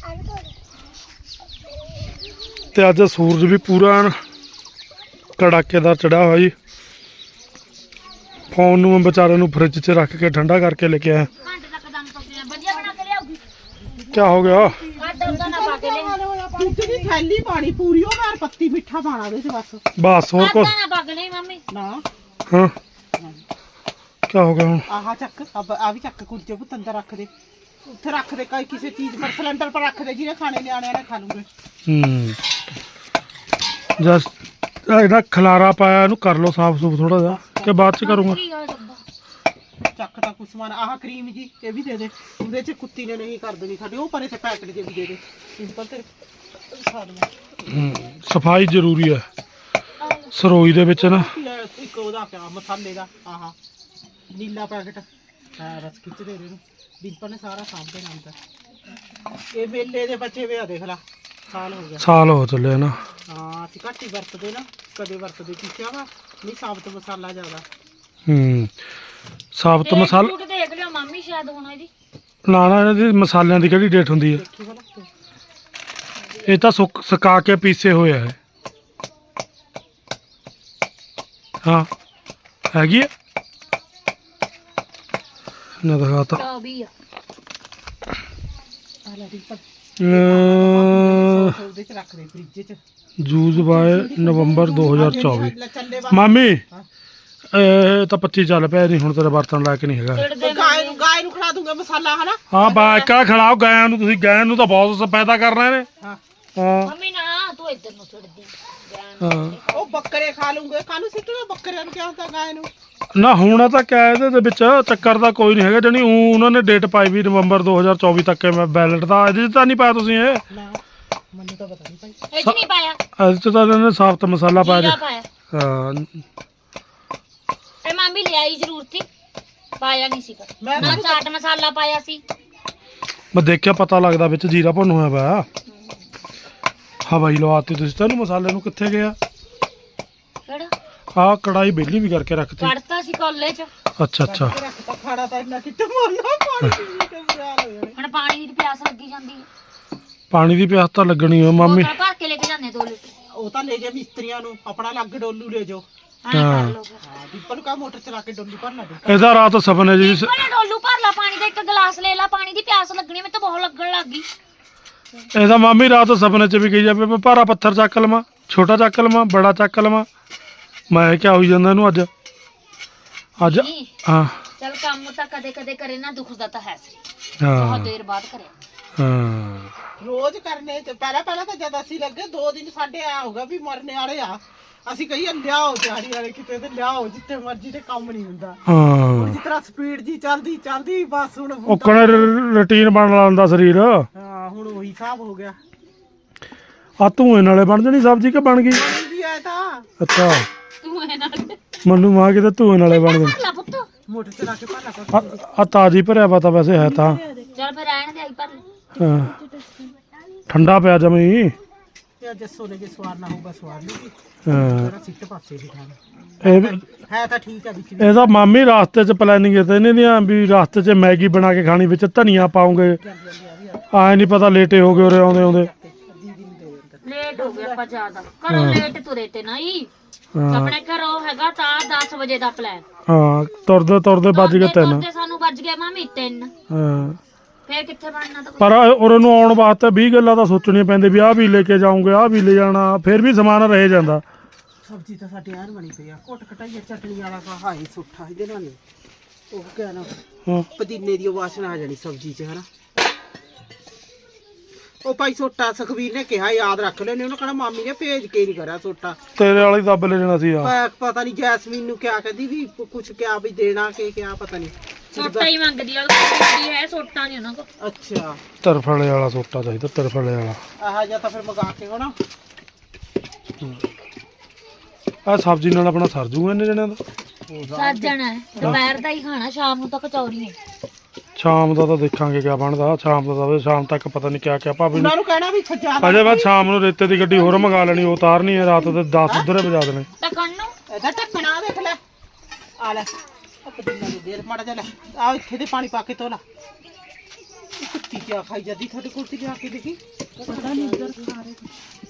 [SPEAKER 1] ਤੇ ਅੱਜ ਸੂਰਜ ਵੀ ਪੂਰਾ ਐਨ ਕੜਾਕੇਦਾਰ ਚੜਿਆ ਹੋਇਆ ਜੀ ਫੋਨ ਨੂੰ ਮੈਂ ਵਿਚਾਰੇ ਨੂੰ ਫ੍ਰਿਜ 'ਚ ਰੱਖ ਕੇ ਠੰਡਾ ਕਰਕੇ ਲੈ ਕੇ ਆਇਆ
[SPEAKER 3] ਘੰਟੇ ਤੱਕ ਦਮ ਪੱਕੀਆਂ ਵਧੀਆ ਬਣਾ ਕੇ ਲਿਆਉਗੀ
[SPEAKER 1] ਕਿਆ ਹੋ ਗਿਆ
[SPEAKER 3] ਆਟਾ ਉਹਦਾ ਨਾ ਪਾ ਕੇ ਲੈ
[SPEAKER 4] ਦੁੱਧ ਦੀ ਥੈਲੀ ਪਾਣੀ ਪੂਰੀ ਉਹ ਨਾਲ ਪੱਤੀ ਮਿੱਠਾ ਪਾਣਾ ਉਹਦੇ 'ਚ ਬਸ
[SPEAKER 1] ਬਸ ਹੋਰ ਕੁਛ
[SPEAKER 3] ਆਟਾ ਨਾ ਪਾ ਕੇ ਲਈ ਮੰਮੀ
[SPEAKER 4] ਨਾ
[SPEAKER 1] ਹਾਂ ਕਿਆ ਹੋ ਗਿਆ ਹੁਣ
[SPEAKER 4] ਆਹ ਚੱਕ ਅਬ ਆ ਵੀ ਚੱਕ ਕੁਲਚੇ ਪੁੱਤ ਅੰਦਰ ਰੱਖ ਦੇ ਉੱਥੇ ਰੱਖ ਦੇ ਕਈ ਕਿਸੇ ਚੀਜ਼ ਪਰ ਸਿਲੰਡਰ ਪਰ ਰੱਖ ਦੇ ਜਿਹਨੇ ਖਾਣੇ ਨਿਆਣਿਆਂ ਨੇ ਖਾ ਲੂਗੇ
[SPEAKER 1] ਹੂੰ ਜਸ ਇਹਦਾ ਖਲਾਰਾ ਪਾਇਆ ਇਹਨੂੰ ਕਰ ਲਓ ਸਾਫ ਸੂਫ ਥੋੜਾ ਜਿਹਾ ਕਿ ਬਾਅਦ ਚ ਕਰੂੰਗਾ
[SPEAKER 3] ਕੀ ਆ ਡੱਬਾ
[SPEAKER 4] ਚੱਕ ਤਾਂ ਕੁਛ ਸਮਾਨ ਆਹ ਕਰੀਮ ਜੀ ਇਹ ਵੀ ਦੇ ਦੇ ਉਹਦੇ 'ਚ ਕੁੱਤੀ ਨੇ ਨਹੀਂ ਕਰ ਦੇਣੀ ਸਾਡੇ ਉਹ ਪਰੇ ਤੇ ਪੈਕਟ ਜੇ ਵੀ ਦੇ ਦੇ ਸਿੰਪਲ ਤੇ ਖਾ ਦਵਾਂ
[SPEAKER 1] ਹੂੰ ਸਫਾਈ ਜ਼ਰੂਰੀ ਹੈ ਸਰੋਈ ਦੇ ਵਿੱਚ ਨਾ
[SPEAKER 4] ਲੈ ਇੱਕ ਉਹਦਾ ਪਿਆ ਮਸਾਲੇ ਦਾ ਆਹ ਨੀਲਾ ਪੈਕਟ ਹਾਂ ਬਸ ਖਿੱਚ ਦੇ ਇਹਨੂੰ ਡਿੰਪਲ ਨੇ ਸਾਰਾ ਸਾਂਭ ਦੇਣਾ ਅੰਦਰ ਇਹ ਮੇਲੇ ਦੇ ਬੱਚੇ ਵੇ ਆ ਦੇਖ ਲਾ ਸਾਲ ਹੋ ਗਿਆ
[SPEAKER 1] ਸਾਲ ਹੋ ਚੱਲੇ ਨਾ
[SPEAKER 4] ਹਾਂ ਅਸੀਂ ਘੱਟ ਹੀ ਵਰਤਦੇ ਨਾ ਕਦੇ ਵਰਤਦੇ ਕੀਚਾ ਵਾ ਨਹੀਂ ਸਾਬਤ ਮਸਾਲਾ ਜ਼ਿਆਦਾ
[SPEAKER 1] ਹੂੰ ਸਾਬਤ ਮਸਾਲਾ
[SPEAKER 3] ਫੂਟ ਦੇਖ ਲਿਓ ਮੰਮੀ ਸ਼ਾਇਦ ਹੁਣ ਇਹਦੀ
[SPEAKER 1] ਨਾ ਨਾ ਇਹਨਾਂ ਦੀ ਮਸਾਲਿਆਂ ਦੀ ਕਿਹੜੀ ਡੇਟ ਹੁੰਦੀ ਹੈ
[SPEAKER 4] ਦੇਖੀ ਭਲਾ
[SPEAKER 1] ਇਹ ਤਾਂ ਸੁੱਕ ਸੁਕਾ ਕੇ ਪੀਸੇ ਹੋਏ ਆ ਇਹ। ਹਾਂ ਹੈਗੀ ਆ ਨਾ ਦਿਖਾਤਾ
[SPEAKER 3] ਚੌਵੀ ਆ
[SPEAKER 4] ਆ ਲੈ ਡਿੰਪਲ
[SPEAKER 1] ਅਹ,
[SPEAKER 4] ਉਹਦੇ 'ਚ ਰੱਖ ਦੇ ਫ੍ਰਿਜ 'ਚ
[SPEAKER 1] ਜੂਸ ਬਾਏ ਨਵੰਬਰ ਦੋ ਹਜ਼ਾਰ ਚੌਵੀ
[SPEAKER 4] ਲੈ ਚੱਲੇ ਵਾ
[SPEAKER 1] ਮਾਮੀ ਇਹ ਤਾਂ ਪੱਚੀ ਚੱਲ ਪਿਆ ਨਹੀਂ ਹੁਣ ਤੇਰੇ ਬਰਤਨ ਲਾਇਕ ਨਹੀਂ ਹੈਗਾ
[SPEAKER 4] ਉਹ ਗਾय ਨੂੰ ਗਾय ਨੂੰ ਖਿਲਾ ਦੂੰਗਾ ਮਸਾਲਾ ਹਨਾ
[SPEAKER 1] ਹਾਂ ਬਾਇਕਾ ਖਿਲਾਓ ਗਾਇਆਂ ਨੂੰ ਤੁਸੀਂ ਗਾਇਆਂ ਨੂੰ ਤਾਂ ਬਹੁਤ ਪੈਦਾ ਕਰਨਾ ਨੇ
[SPEAKER 4] ਹਾਂ
[SPEAKER 1] ਹਾਂ
[SPEAKER 3] ਮੰਮੀ ਨਾ ਤੂੰ ਇੱਧਰ ਨੂੰ ਛੱਡਦੀ
[SPEAKER 1] ਹਾਂ
[SPEAKER 4] ਉਹ ਬੱਕਰੇ ਖਾ ਲੂੰਗੇ ਕਾਹਨੂੰ ਸਿੱਟਣਾ ਬੱਕਰਿਆਂ ਨੂੰ ਕਿਆ ਹੁੰਦਾ ਗਾय ਨੂੰ
[SPEAKER 1] ਨਾ ਹੁਣ ਤਾਂ ਕਿਆ ਇਹਦੇ ਦੇ ਵਿੱਚ ਚੱਕਰ ਦਾ ਕੋਈ ਨਹੀਂ ਹੈਗਾ ਜਣੀ ਊਂ ਉਹਨਾਂ ਨੇ ਡੇਟ ਪਾਈ ਵੀ ਨਵੰਬਰ ਦੋ ਹਜ਼ਾਰ ਚੌਵੀ ਤੱਕ ਹੈ ਮੈਂ ਬੈਲਟ ਦਾ ਇਹਦੇ 'ਚ ਤਾਂ ਨਹੀਂ ਪਾਇਆ ਤੁਸੀਂ ਇਹ
[SPEAKER 4] ਨਾ ਮੈਨੂੰ ਤਾਂ ਪਤਾ ਨਹੀਂ ਭਾਈ
[SPEAKER 3] ਇਹ 'ਚ ਨਹੀਂ ਪਾਇਆ
[SPEAKER 1] ਇਹਦੇ 'ਚ ਤਾਂ ਇਹਨਾਂ ਨੇ ਸਾਬਤ ਮਸਾਲਾ ਪਾਇਆ
[SPEAKER 3] ਜੀਰਾ
[SPEAKER 1] ਜੀ।
[SPEAKER 3] ਪਾਇਆ
[SPEAKER 1] ਹਾਂ
[SPEAKER 3] ਇਹ ਮੰਮੀ ਲਿਆਈ ਜ਼ਰੂਰ ਸੀ ਪਾਇਆ ਨਹੀਂ ਸੀ ਪਰ
[SPEAKER 4] ਮੈਂ
[SPEAKER 3] ਨਾ ਚਾਟ ਮਸਾਲਾ ਪਾਇਆ ਸੀ
[SPEAKER 1] ਮੈਂ ਦੇਖਿਆ ਪਤਾ ਲੱਗਦਾ ਵਿੱਚ ਜੀਰਾ ਭੁੰਨ ਹੋਇਆ ਪਿਆ ਹਵਾਈ ਲਵਾਤੀ ਤੁਸੀਂ ਤੈਨੂੰ ਮਸਾਲੇ ਨੂੰ ਕਿੱਥੇ ਗਿਆ
[SPEAKER 3] ਕਿਹੜਾ
[SPEAKER 1] ਆਹ ਕੜਾਈ ਬੇਲੀ ਵੀ ਕਰਕੇ ਰੱਖਤੀ
[SPEAKER 3] ਕੱਢਤਾ ਸੀ ਕੋਲੇ 'ਚ
[SPEAKER 1] ਅੱਛਾ ਅੱਛਾ
[SPEAKER 4] ਰੱਖਤਾ ਖਾਣਾ ਤਾਂ ਇੰਨਾ ਕਿੱਥੇ ਮੋਰਨਾ ਪਾਣੀ ਪੀ ਕੇ ਬੁਰਾ ਹੋ ਜਾਣਾ
[SPEAKER 3] ਹੁਣ ਪਾਣੀ ਦੀ ਪਿਆਸ ਲੱਗੀ ਜਾਂਦੀ ਹੈ
[SPEAKER 1] ਪਾਣੀ ਦੀ ਪਿਆਸ ਤਾਂ ਲੱਗਣੀ ਹੋ ਮਾਮੀ
[SPEAKER 3] ਬੋਤਲ ਭਰ ਕੇ ਲੈ ਕੇ ਜਾਂਦੇ ਦੋ ਲੀਟਰ
[SPEAKER 4] ਉਹ ਤਾਂ ਲੈ ਜਾ ਮਿਸਤਰੀਆਂ ਨੂੰ ਆਪਣਾ ਲੱਗ ਡੋਲੂ ਲੈ ਜਾਓ
[SPEAKER 3] ਐਂ ਕਰ ਲਓ ਫਿਰ
[SPEAKER 4] ਹਾਂ ਡਿੰਪਲ ਨੂੰ ਕਹਾ ਮੋਟਰ ਚਲਾ ਕੇ ਡੋਲੂ ਭਰਨਾ ਦੇ
[SPEAKER 1] ਇਹਦਾ ਰਾਤ ਸੁਪਨੇ ਜੀ
[SPEAKER 3] ਬੋਲੇ ਡੋਲੂ ਭਰ ਲਾ ਪਾਣੀ ਦਾ ਇੱਕ ਗਲਾਸ ਲੈ ਲਾ ਪਾਣੀ ਦੀ ਪਿਆਸ ਲੱਗਣੀ ਮੈਨੂੰ ਤਾਂ ਬਹੁਤ ਲੱਗਣ ਲੱਗ ਗਈ
[SPEAKER 1] ਇਹਦਾ ਮਾਮੀ ਰਾਤ ਸੁਪਨੇ 'ਚ ਵੀ ਕਹੀ ਜਾਵੇ ਮੈਂ ਭਾਰਾ ਪੱਥਰ ਚੱਕ ਲਵਾਂ ਛੋਟਾ ਚੱਕ ਲਵਾਂ ਬੜਾ ਚੱਕ ਲਵਾਂ ਮੈਂ ਕਿਆ ਹੋਈ ਜਾਂਦਾ ਇਹਨੂੰ ਅੱਜ ਅੱਜ
[SPEAKER 3] ਨਹੀਂ,
[SPEAKER 1] ਹਾਂ
[SPEAKER 3] ਚੱਲ ਕੰਮ ਤਾਂ ਕਦੇ ਕਦੇ ਕਰੇ ਨਾ ਦੁੱਖ ਦਾ ਤਾਂ ਹੈ ਸੀ
[SPEAKER 1] ਹਾਂ
[SPEAKER 3] ਬਹੁਤ ਦੇਰ ਬਾਅਦ ਕਰਿਆ
[SPEAKER 1] ਹਾਂ
[SPEAKER 4] ਰੋਜ਼ ਕਰਨੇ ਤੇ ਪਹਿਲਾਂ ਪਹਿਲਾਂ ਤਾਂ ਜਦ ਅਸੀਂ ਲੱਗੇ ਦੋ ਦਿਨ ਸਾਡੇ ਆ ਹੋਗਾ ਵੀ ਮਰਨੇ ਵਾਲੇ ਆ ਅਸੀਂ ਕਹੀਏ ਲਿਆਓ ਦਿਹਾੜੀ ਵਾਲੇ ਕਿਤੇ ਤੇ ਲਿਆਓ ਜਿੱਥੇ ਮਰਜ਼ੀ ਤੇ ਕੰਮ ਨਹੀਂ ਹੁੰਦਾ
[SPEAKER 1] ਹਾਂ
[SPEAKER 4] ਜਿਸ ਤਰ੍ਹਾਂ ਸਪੀਡ ਜੀ ਚੱਲਦੀ ਚੱਲਦੀ ਬਸ ਹੁਣ
[SPEAKER 1] ਉਹ ਕਣੇ ਰੁਟੀਨ ਬਣ ਲਾਂਦਾ ਸਰੀਰ
[SPEAKER 4] ਹਾਂ ਹੁਣ ਉਹੀ ਹਿਸਾਬ ਹੋ ਗਿਆ
[SPEAKER 1] ਆ ਧੂਏ ਨਾਲੇ ਬਣ ਜਣੀ ਸਬਜ਼ੀ ਕਿ ਬਣ ਗਈ
[SPEAKER 4] ਪਾਣੀ ਵੀ ਆਇਆ ਤਾਂ
[SPEAKER 1] ਅੱਛਾ
[SPEAKER 3] ਤੂੰ ਇਹ ਨਾਲ
[SPEAKER 1] ਮੈਨੂੰ ਮਾਂ ਕਿਤੇ ਧੂਏ ਨਾਲੇ ਬਣ ਗਈ
[SPEAKER 3] ਭਰ ਲਾ ਪੁੱਤ
[SPEAKER 4] ਮੋਟਰ ਚਲਾ ਕੇ ਭਾਲਾ ਕਰ
[SPEAKER 1] ਆ ਤਾਜੀ ਭਰਿਆ ਵਾ ਤਾਂ ਵੈਸੇ ਹੈ ਤਾਂ
[SPEAKER 3] ਚੱਲ ਫਿਰ ਰਹਿਣ ਦੇ ਆਈ ਭਰ ਲੈ
[SPEAKER 1] ਹਾਂ ਠੰਡਾ ਪਿਆ ਜਮੀ
[SPEAKER 4] ਤੇ ਜੱਸੋ ਨੇ ਜੇ ਸਵਾਰ ਨਾ ਹੋਊਗਾ ਸਵਾਰ ਲੂਗੀ
[SPEAKER 1] ਹਾਂ
[SPEAKER 4] ਤੇਰਾ ਸਿੱਟ ਪਾਸੇ ਦੀ ਖਾਣਾ
[SPEAKER 1] ਇਹ ਵੀ-
[SPEAKER 4] ਹੈ ਤਾਂ ਠੀਕ ਆ ਵਿੱਚ ਵੀ
[SPEAKER 1] ਇਹਦਾ ਮਾਮੀ ਰਾਸਤੇ 'ਚ ਪਲੈਨਿੰਗ ਤੇ ਇਹਨਾਂ ਦੀਆਂ ਵੀ ਰਾਸਤੇ 'ਚ ਮੈਗੀ ਬਣਾ ਕੇ ਖਾਣੀ ਵਿੱਚ ਧਨੀਆ ਪਾਉਂਗੇ
[SPEAKER 4] ਜਾਂਦੀ ਜਾਂਦੀ ਆ ਵੀ ਆ
[SPEAKER 1] ਆਏ ਨਹੀਂ ਪਤਾ ਲੇਟੇ ਹੋ ਗਏ ਉਰੇ ਆਉਂਦੇ ਆਉਂਦੇ
[SPEAKER 4] ਅੱਧੀ ਦਿਨ ਦੇ ਅੰਦਰ
[SPEAKER 3] ਲੇਟ ਹੋ ਗਿਆ ਆਪਾਂ ਜ਼ਿਆਦਾ ਘਰੋਂ ਲੇਟ ਤੁਰੇ ਤੇ ਨਹੀਂ
[SPEAKER 1] ਹਾਂ
[SPEAKER 3] ਆਪਣੇ ਘਰੋਂ ਹੈਗਾ ਤਾਂ ਦਸ ਵਜੇ ਦਾ ਪਲਾਨ
[SPEAKER 1] ਹਾਂ ਤੁਰਦੇ ਤੁਰਦੇ ਵੱਜ ਗਏ ਤਿੰਨ
[SPEAKER 3] ਤੇ ਸਾਨੂੰ ਵੱਜ ਗਏ ਮਾਮੀ ਤਿੰਨ
[SPEAKER 1] ਹਾਂ
[SPEAKER 3] ਫੇਰ ਕਿੱਥੇ ਬਣਨਾ ਤਾਂ
[SPEAKER 1] ਪਰ ਉਰੇ ਨੂੰ ਆਉਣ ਵਾਸਤੇ ਵੀਹ ਗੱਲਾਂ ਤਾਂ ਸੋਚਣੀਆਂ ਪੈਂਦੀਆਂ ਵੀ ਆਹ ਵੀ ਲੈ ਕੇ ਜਾਉਂਗੇ ਆਹ ਵੀ ਲੈ ਜਾਣਾ ਫਿਰ ਵੀ ਸਮਾਨ ਰਹਿ ਜਾਂਦਾ
[SPEAKER 4] ਸਬਜ਼ੀ ਤਾਂ ਸਾਡੇ ਆਰ ਬਣੀ ਪਈ ਆ ਘੁੱਟ ਕਟਾਈਆ ਚਟਨੀ ਵਾਲਾ ਕਾ ਹਾਈ ਸੁੱਠਾ ਇਹਦੇ ਨਾਲ ਨੀ। ਉਹ ਕਿਆ ਨਾ
[SPEAKER 1] ਹਾਂ
[SPEAKER 4] ਪੁਦੀਨੇ ਦੀ ਵਾਸ਼ਨਾ ਆ ਜਾਣੀ ਸਬਜ਼ੀ 'ਚ ਹਨਾ ਉਹ ਭਾਈ ਸੋਟਾ ਸੁਖਵੀਰ ਨੇ ਕਿਹਾ ਯਾਦ ਰੱਖ ਲੈਣੇ ਉਹਨੇ ਕਹਣਾ ਮਾਮੀ ਨੇ ਭੇਜ ਕੇ ਨਹੀਂ ਕਰਿਆ ਸੋਟਾ
[SPEAKER 1] ਤੇਰੇ ਵਾਲੀ ਦੱਬ ਲੈ ਜਾਣਾ ਸੀ ਆ
[SPEAKER 4] ਪ- ਪਤਾ ਨਹੀਂ ਜੈਸਮੀਨ ਨੂੰ ਕਿਆ ਕਹਿੰਦੀ ਵੀ ਕੁਝ ਕਿਆ ਵੀ ਦੇਣਾ ਕਿ ਕਿਆ ਪਤਾ ਨਹੀਂ
[SPEAKER 3] ਸੋਟਾ ਹੀ ਮੰਗਦੀ ਆ ਉਹ ਹੈ ਸੋਟਾ ਨਹੀਂ ਉਹਨਾਂ ਕੋਲ
[SPEAKER 4] ਅੱਛਾ
[SPEAKER 1] ਤਰਫਲੇ ਵਾਲਾ ਸੋਟਾ ਚਾਹੀਦਾ ਤਰਫਲੇ ਵਾਲਾ
[SPEAKER 4] ਆਹ ਜਾਂ ਤਾਂ ਫਿਰ ਮੰਗਾ ਕੇ ਹੋਣਾ
[SPEAKER 1] ਆ ਸਬਜ਼ੀ ਨਾਲ ਆਪਣਾ ਸਰ ਜੂਗਾ ਇਹਨੇ ਜਣਿਆਂ ਦਾ
[SPEAKER 3] ਸੱਜਣਾ ਦੁਪਹਿਰ ਦਾ ਹੀ ਖਾਣਾ ਸ਼ਾਮ ਨੂੰ ਤਾਂ ਕਚੌਰੀਆਂ
[SPEAKER 1] ਸ਼ਾਮ ਦਾ ਤਾਂ ਦੇਖਾਂਗੇ ਕਿਆ ਬਣਦਾ। ਸ਼ਾਮ ਦਾ ਤਾਂ ਸ਼ਾਮ ਤੱਕ ਪਤਾ ਨਹੀਂ ਕਿਆ ਕਿਆ ਭਾਬੀ
[SPEAKER 4] ਉਹਨਾਂ
[SPEAKER 1] ਨੂੰ
[SPEAKER 4] ਨੂੰ ਕਹਿਣਾ ਵੀ ਜ਼ਿਆਦਾ
[SPEAKER 1] ਅਜੇ ਬਾਅਦ ਸ਼ਾਮ ਨੂੰ ਰੇਤੇ ਦੀ ਗੱਡੀ ਹੋਰ ਮੰਗਾ ਲੈਣੀ, ਉਹ ਉਤਾਰਨੀ ਹੈ ਰਾਤ ਦੇ ਦਸ ਉਧਰੇ ਵਜਾ ਦੇਣੇ।
[SPEAKER 3] ਢੱਕਣ ਨੂੰ
[SPEAKER 4] ਇਹਦਾ ਢੱਕਣਾ ਦੇਖ ਲੈ ਆ ਲੈ ਆ ਪਤੀਲਾ ਦੇ ਦੇ ਮਾੜਾ ਜਿਹਾ ਲੈ ਆ ਇੱਥੇ ਦੇ ਪਾਣੀ ਪਾ ਕੇ ਧੋ ਲਾ। ਇਹ ਕੁੱਤੀ ਕਿਆ ਖਾਈ ਜਾਂਦੀ ਤੁਹਾਡੇ ਕੋਲ ਤੇ ਜਾ ਕੇ ਦੇਖੀ ਪਤਾ ਨਹੀਂ ਇੱਧਰ ਖਾ ਰਹੇ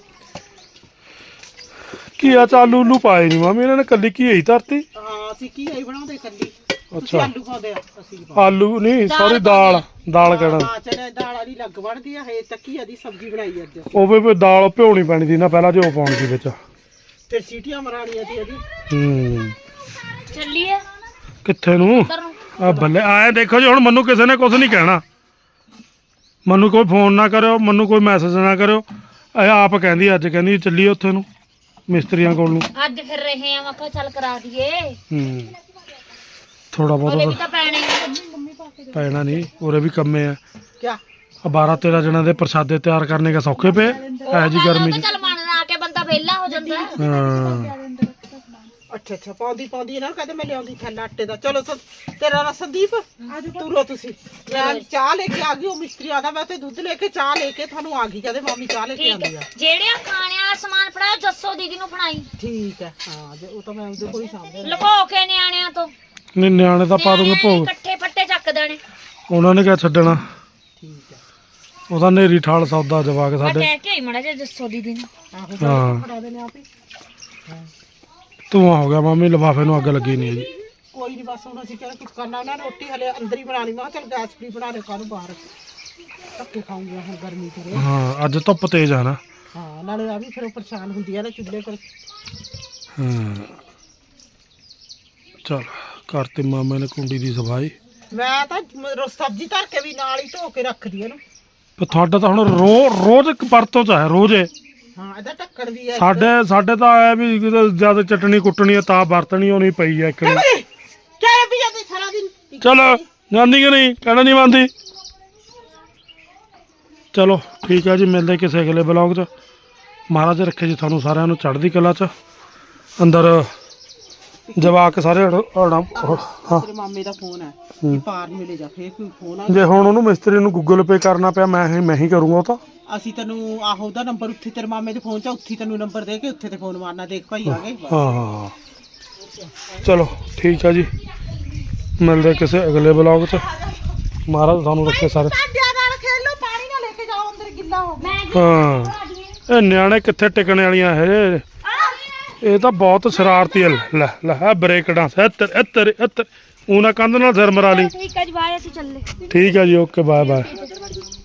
[SPEAKER 1] ਘੀਆ ਚ ਆਲੂ ਉਲੂ ਪਾਏ ਨਹੀਂ ਮਾਮੀ ਇਹਨਾਂ ਨੇ, ਕੱਲੀ ਘੀਆ ਹੀ ਧਰਤੀ।
[SPEAKER 4] ਹਾਂ ਅਸੀਂ ਕੀ ਆਈ ਬਣਾਉਂਦੇ ਕੱਲੀ
[SPEAKER 1] ਅੱਛਾ।
[SPEAKER 4] ਅੱਛਾ ਆਲੂ ਪਾਉਂਦੇ ਆ ਅਸੀਂ ਨੀ ਪਾਉਂਦੇ।
[SPEAKER 1] ਆਲੂ ਨਹੀਂ ਸੌਰੀ ਦਾਲ ਦਾਲ ਕਹਿਣਾ।
[SPEAKER 4] ਹਾਂ ਚਨੇ ਦਾਲ ਵਾਲੀ ਲੱਗ ਬਣਦੀ ਆ ਇਹ ਤੱਕੀਆ ਦੀ ਸਬਜ਼ੀ ਬਣਾਈ ਅੱਜ
[SPEAKER 1] ਉਹ ਵੀ ਵੀ ਦਾਲ ਭਿਉਣੀ ਪੈਣੀ ਸੀ ਨਾ ਪਹਿਲਾਂ, ਜੋ ਪਾਉਣੀ ਸੀ ਵਿੱਚ।
[SPEAKER 4] ਫਿਰ ਸੀਟੀਆਂ ਮਰਾਣੀਆਂ ਸੀ ਇਹਦੀ।
[SPEAKER 1] ਹੂੰ
[SPEAKER 3] ਚੱਲੀਏ
[SPEAKER 1] ਕਿੱਥੇ ਨੂੰ
[SPEAKER 3] ਉੱਧਰ ਨੂੰ
[SPEAKER 1] ਆ ਬੱਲੇ ਆਏ ਦੇਖੋ ਜੀ, ਹੁਣ ਮੈਨੂੰ ਕਿਸੇ ਨੇ ਕੁਝ ਨਹੀਂ ਕਹਿਣਾ। ਮੈਨੂੰ ਕੋਈ ਫੋਨ ਨਾ ਕਰਿਓ, ਮੈਨੂੰ ਕੋਈ ਮੈਸੇਜ ਨਾ ਕਰਿਓ। ਇਹ ਆਪ ਕਹਿੰਦੀ ਅੱਜ ਕਹਿੰਦੀ ਚੱਲੀਏ ਉੱਥੇ ਨੂੰ ਮਿਸਤਰੀਆਂ ਕੋਲ ਨੂੰ।
[SPEAKER 3] ਅੱਜ ਫਿਰ ਰਹੇ ਆ ਮੈਂ ਕਿਹਾ ਚੱਲ ਕਰਾ ਦਈਏ
[SPEAKER 1] ਹੂੰ ਥੋੜਾ
[SPEAKER 3] ਉਹਦੇ ਵੀ
[SPEAKER 1] ਬਹੁਤ
[SPEAKER 3] ਤਾਂ ਪੈਣੇ ਹੀ।
[SPEAKER 1] ਪੈਣਾ ਨਹੀਂ, ਉਰੇ ਵੀ ਕੰਮੇ ਆ।
[SPEAKER 4] ਕਿਆ
[SPEAKER 1] ਆ ਬਾਰਾਂ ਤੇਰਾਂ ਜਣਾਂ ਦੇ ਪ੍ਰਸ਼ਾਦੇ ਤਿਆਰ ਕਰਨੇ ਦਾ ਸੌਖੇ ਪਏ ਐ ਜੀ ਗਰਮੀ ਚ।
[SPEAKER 3] ਚੱਲ ਮਨ ਆ ਕੇ ਬੰਦਾ ਵਿਹਲਾ ਹੋ ਜਾਂਦਾ।
[SPEAKER 1] ਹਾਂ
[SPEAKER 4] ਅੱਛਾ ਅੱਛਾ ਪਾਉਂਦੀ ਪਾਉਂਦੀ ਇਹਨਾਂ ਨੂੰ ਕਹਿੰਦੇ ਮੈਂ ਲਿਆਉਂਦੀ ਥੈਲਾ ਆਟੇ ਦਾ। ਚਲੋ ਸ- ਤੇਰਾ ਨਾਂ ਸੰਦੀਪ ਤੁਰੋ ਤੁਸੀਂ। ਮੈਂ ਚਾਹ ਲੈ ਕੇ ਆ ਗਈ, ਉਹ ਮਿਸਤਰੀ ਆਦਾ ਮੈਂ ਤੇ ਦੁੱਧ ਲੈ ਕੇ ਚਾਹ ਲੈ ਕੇ ਤੁਹਾਨੂੰ ਆ ਗਈ। ਕਹਿੰਦੇ ਮਾਮੀ ਚਾਹ ਲੈ ਕੇ
[SPEAKER 3] ਠੀਕ
[SPEAKER 4] ਆਉਂਦੀ
[SPEAKER 3] ਹੈ
[SPEAKER 4] ਆ।
[SPEAKER 3] ਜਿਹੜਿਆਂ ਖਾਣੇ ਵਾਲਾ ਸਮਾਨ ਫੜਾਇਆ ਜੱਸੋ ਦੀਦੀ ਨੂੰ ਫੜਾਈ
[SPEAKER 4] ਠੀਕ ਹੈ ਹਾਂ ਜੇ ਉਹ ਤਾਂ ਮੈਂ ਉਹਦੇ ਕੋਲ ਹੀ ਸਾਂਭਦੇ
[SPEAKER 3] ਲੁਕੋ ਕੇ ਨਿਆਣਿਆਂ ਤੋਂ।
[SPEAKER 1] ਨਹੀਂ ਨਿਆਣੇ ਤਾਂ ਪਾ ਦੂੰਗੇ
[SPEAKER 3] ਨਿਆਣਿਆਂ
[SPEAKER 1] ਭੋਗ,
[SPEAKER 3] ਨੇ ਇਕੱਠੇ ਫੱਟੇ ਚੱਕ ਦੇਣੇ।
[SPEAKER 1] ਉਹਨਾਂ ਨੇ ਕਿਆ ਛੱਡਣਾ।
[SPEAKER 4] ਠੀਕ ਹੈ
[SPEAKER 1] ਉਹਦਾ ਨੇਰੀ ਠਾਲ ਸੌਦਾ ਜਵਾਕ
[SPEAKER 3] ਮੈਂ
[SPEAKER 1] ਸਾਡੇ।
[SPEAKER 3] ਕਹਿ ਕੇ ਆਈ ਮੜਾ ਜੇ ਜੱਸੋ ਦੀਦੀ ਨੂੰ।
[SPEAKER 4] ਆਹੋ
[SPEAKER 1] ਹਾਂ
[SPEAKER 4] ਫੜਾ ਦੇਣੇ ਆਪ ਹੀ।
[SPEAKER 1] ਧੂਆਂ ਹੋ ਗਿਆ ਮਾਮੀ, ਲਿਫਾਫੇ ਨੂੰ ਅੱਗ ਲੱਗੀ ਨਹੀਂ ਜੀ।
[SPEAKER 4] ਕੋਈ ਨਹੀਂ ਬਸ ਹੁਣ ਅਸੀਂ ਕਿਹੜਾ ਕੁਝ ਕਰਨਾ। ਉਹਨਾਂ ਨੇ ਰੋਟੀ ਹਲੇ ਅੰਦਰ ਹੀ ਬਣਾਣੀ। ਮੈਂ ਕਿਹਾ ਚੱਲ ਗੈਸ ਫਰੀ ਬਣਾ ਦੇ ਕਾਹਨੂੰ ਬਾਹਰ ਧੱਕੇ ਖਾਉਂਗੀਆਂ ਹੁਣ ਗਰਮੀ ਤੇ।
[SPEAKER 1] ਹਾਂ ਅੱਜ ਧੁੱਪ ਤੇਜ਼ ਆ ਨਾ।
[SPEAKER 4] ਹਾਂ ਨਾਲੇ ਆ ਵੀ ਫਿਰ ਉਹ ਪਰੇਸ਼ਾਨ ਹੁੰਦੀ ਆ ਨਾ ਚੁੱਲ੍ਹੇ ਪਰ।
[SPEAKER 1] ਹਾਂ ਚਲ ਕਰਤੇ ਮਾਮੇ ਨੇ ਕੁੰਡੀ ਦੀ ਸਫਾਈ।
[SPEAKER 4] ਮੈਂ ਤਾਂ ਮ- ਰੋ- ਸਬਜ਼ੀ ਧਰ ਕੇ ਵੀ ਨਾਲ ਹੀ ਧੋ ਕੇ ਰੱਖਦੀ ਇਹਨੂੰ।
[SPEAKER 1] ਪਰ ਤੁਹਾਡਾ ਤਾਂ ਹੁਣ ਰੋ ਰੋਜ਼ ਇੱਕ ਵਰਤੋਂ ਚ ਹੈ ਰੋਜ਼ ਇਹ।
[SPEAKER 4] ਹਾਂ ਇਹਦਾ ਢੱਕਣ ਵੀ ਹੈ।
[SPEAKER 1] ਸਾਡੇ ਸਾਡੇ ਤਾਂ ਆਇਆ ਵੀ ਜਦ ਚਟਣੀ ਕੁੱਟਣੀ ਆ ਤਾਂ ਵਰਤਣੀ ਹੋਣੀ ਪਈ ਆ ਇੱਕ ਨੇ।
[SPEAKER 4] ਚਾਹ ਵੀ ਜਾਂਦੀ ਸਾਰਾ ਦਿਨ।
[SPEAKER 1] ਚਲੋ ਜਾਂਦੀ ਕਿ ਨਹੀਂ, ਕਹਿਣਾ ਨਹੀਂ ਮੰਨਦੀ। ਚਲੋ ਠੀਕ ਹੈ ਜੀ, ਮਿਲਦੇ ਕਿਸੇ ਅਗਲੇ ਬਲੌਗ 'ਚ। ਮਹਾਰਾਜ ਰੱਖੇ ਜੀ ਤੁਹਾਨੂੰ ਸਾਰਿਆਂ ਨੂੰ ਚੜ੍ਹਦੀ ਕਲਾ 'ਚ। ਅੰਦਰ ਜਵਾਕ ਸਾਰੇ ਅੜ- ਅੜ- ਹਾਂ
[SPEAKER 4] ਤੇਰੇ ਮਾਮੇ ਦਾ ਫੋਨ ਹੈ
[SPEAKER 1] ਹੂੰ।
[SPEAKER 4] ਕਿ ਪਾਰ ਮਿਲੇ ਜਾ ਫੇਰ ਕੋਈ ਫੋਨ ਆ।
[SPEAKER 1] ਜੇ ਹੁਣ ਉਹਨੂੰ ਮਿਸਤਰੀ ਨੂੰ ਗੂਗਲ ਪੇ ਕਰਨਾ ਪਿਆ ਮੈਂ ਹੀ ਮੈਂ ਹੀ ਕਰੂੰਗਾ ਉਹ ਤਾਂ।
[SPEAKER 4] ਅਸੀਂ ਤੈਨੂੰ ਆਹੋ ਉਹਦਾ ਨੰਬਰ ਉੱਥੇ ਤੇਰੇ ਮਾਮੇ ਦੇ ਫੋਨ 'ਚ ਉੱਥੇ ਤੈਨੂੰ ਨੰਬਰ ਦੇ ਕੇ ਉੱਥੇ ਤੇ ਫੋਨ ਮਾਰਨਾ। ਦੇਖ ਭਾਈ ਆ ਗਏ।
[SPEAKER 1] ਹਾਂ ਹਾਂ ਚਲੋ ਠੀਕ ਹੈ ਜੀ, ਮਿਲਦੇ ਕਿਸੇ ਅਗਲੇ ਬਲੌਗ 'ਚ। ਮਹਾਰਾਜ ਤੁਹਾਨੂੰ ਰੱਖੇ ਸਾਰੇ।
[SPEAKER 4] ਭਾਂਡਿਆਂ ਨਾਲ ਖੇਡ ਲਓ, ਪਾਣੀ ਨਾ ਲੈ ਕੇ ਜਾਓ ਅੰਦਰ ਗਿੱਲਾ ਹੋ ਗਿਆ।
[SPEAKER 1] ਹਾਂ ਇਹ ਨਿਆਣੇ ਕਿੱਥੇ ਟਿਕਣੇ ਵਾਲੀਆਂ ਇਹ ਇਹ ਤਾਂ ਬਹੁਤ ਸ਼ਰਾਰਤੀ ਹੈ। ਲੈ ਲੈ ਆ ਬ੍ਰੇਕ ਡਾਂਸ ਇੱਧਰ ਇੱਧਰ ਇੱਧਰ ਉਹਨਾਂ ਕੰਧ ਨਾਲ ਸਿਰ ਮਰਾ ਲਈ।
[SPEAKER 3] ਠੀਕ ਹੈ ਜੀ ਬਾਏ ਅਸੀਂ ਚੱਲੇ।
[SPEAKER 1] ਠੀਕ ਹੈ ਜੀ ਓਕੇ ਬਾਏ ਬਾਏ।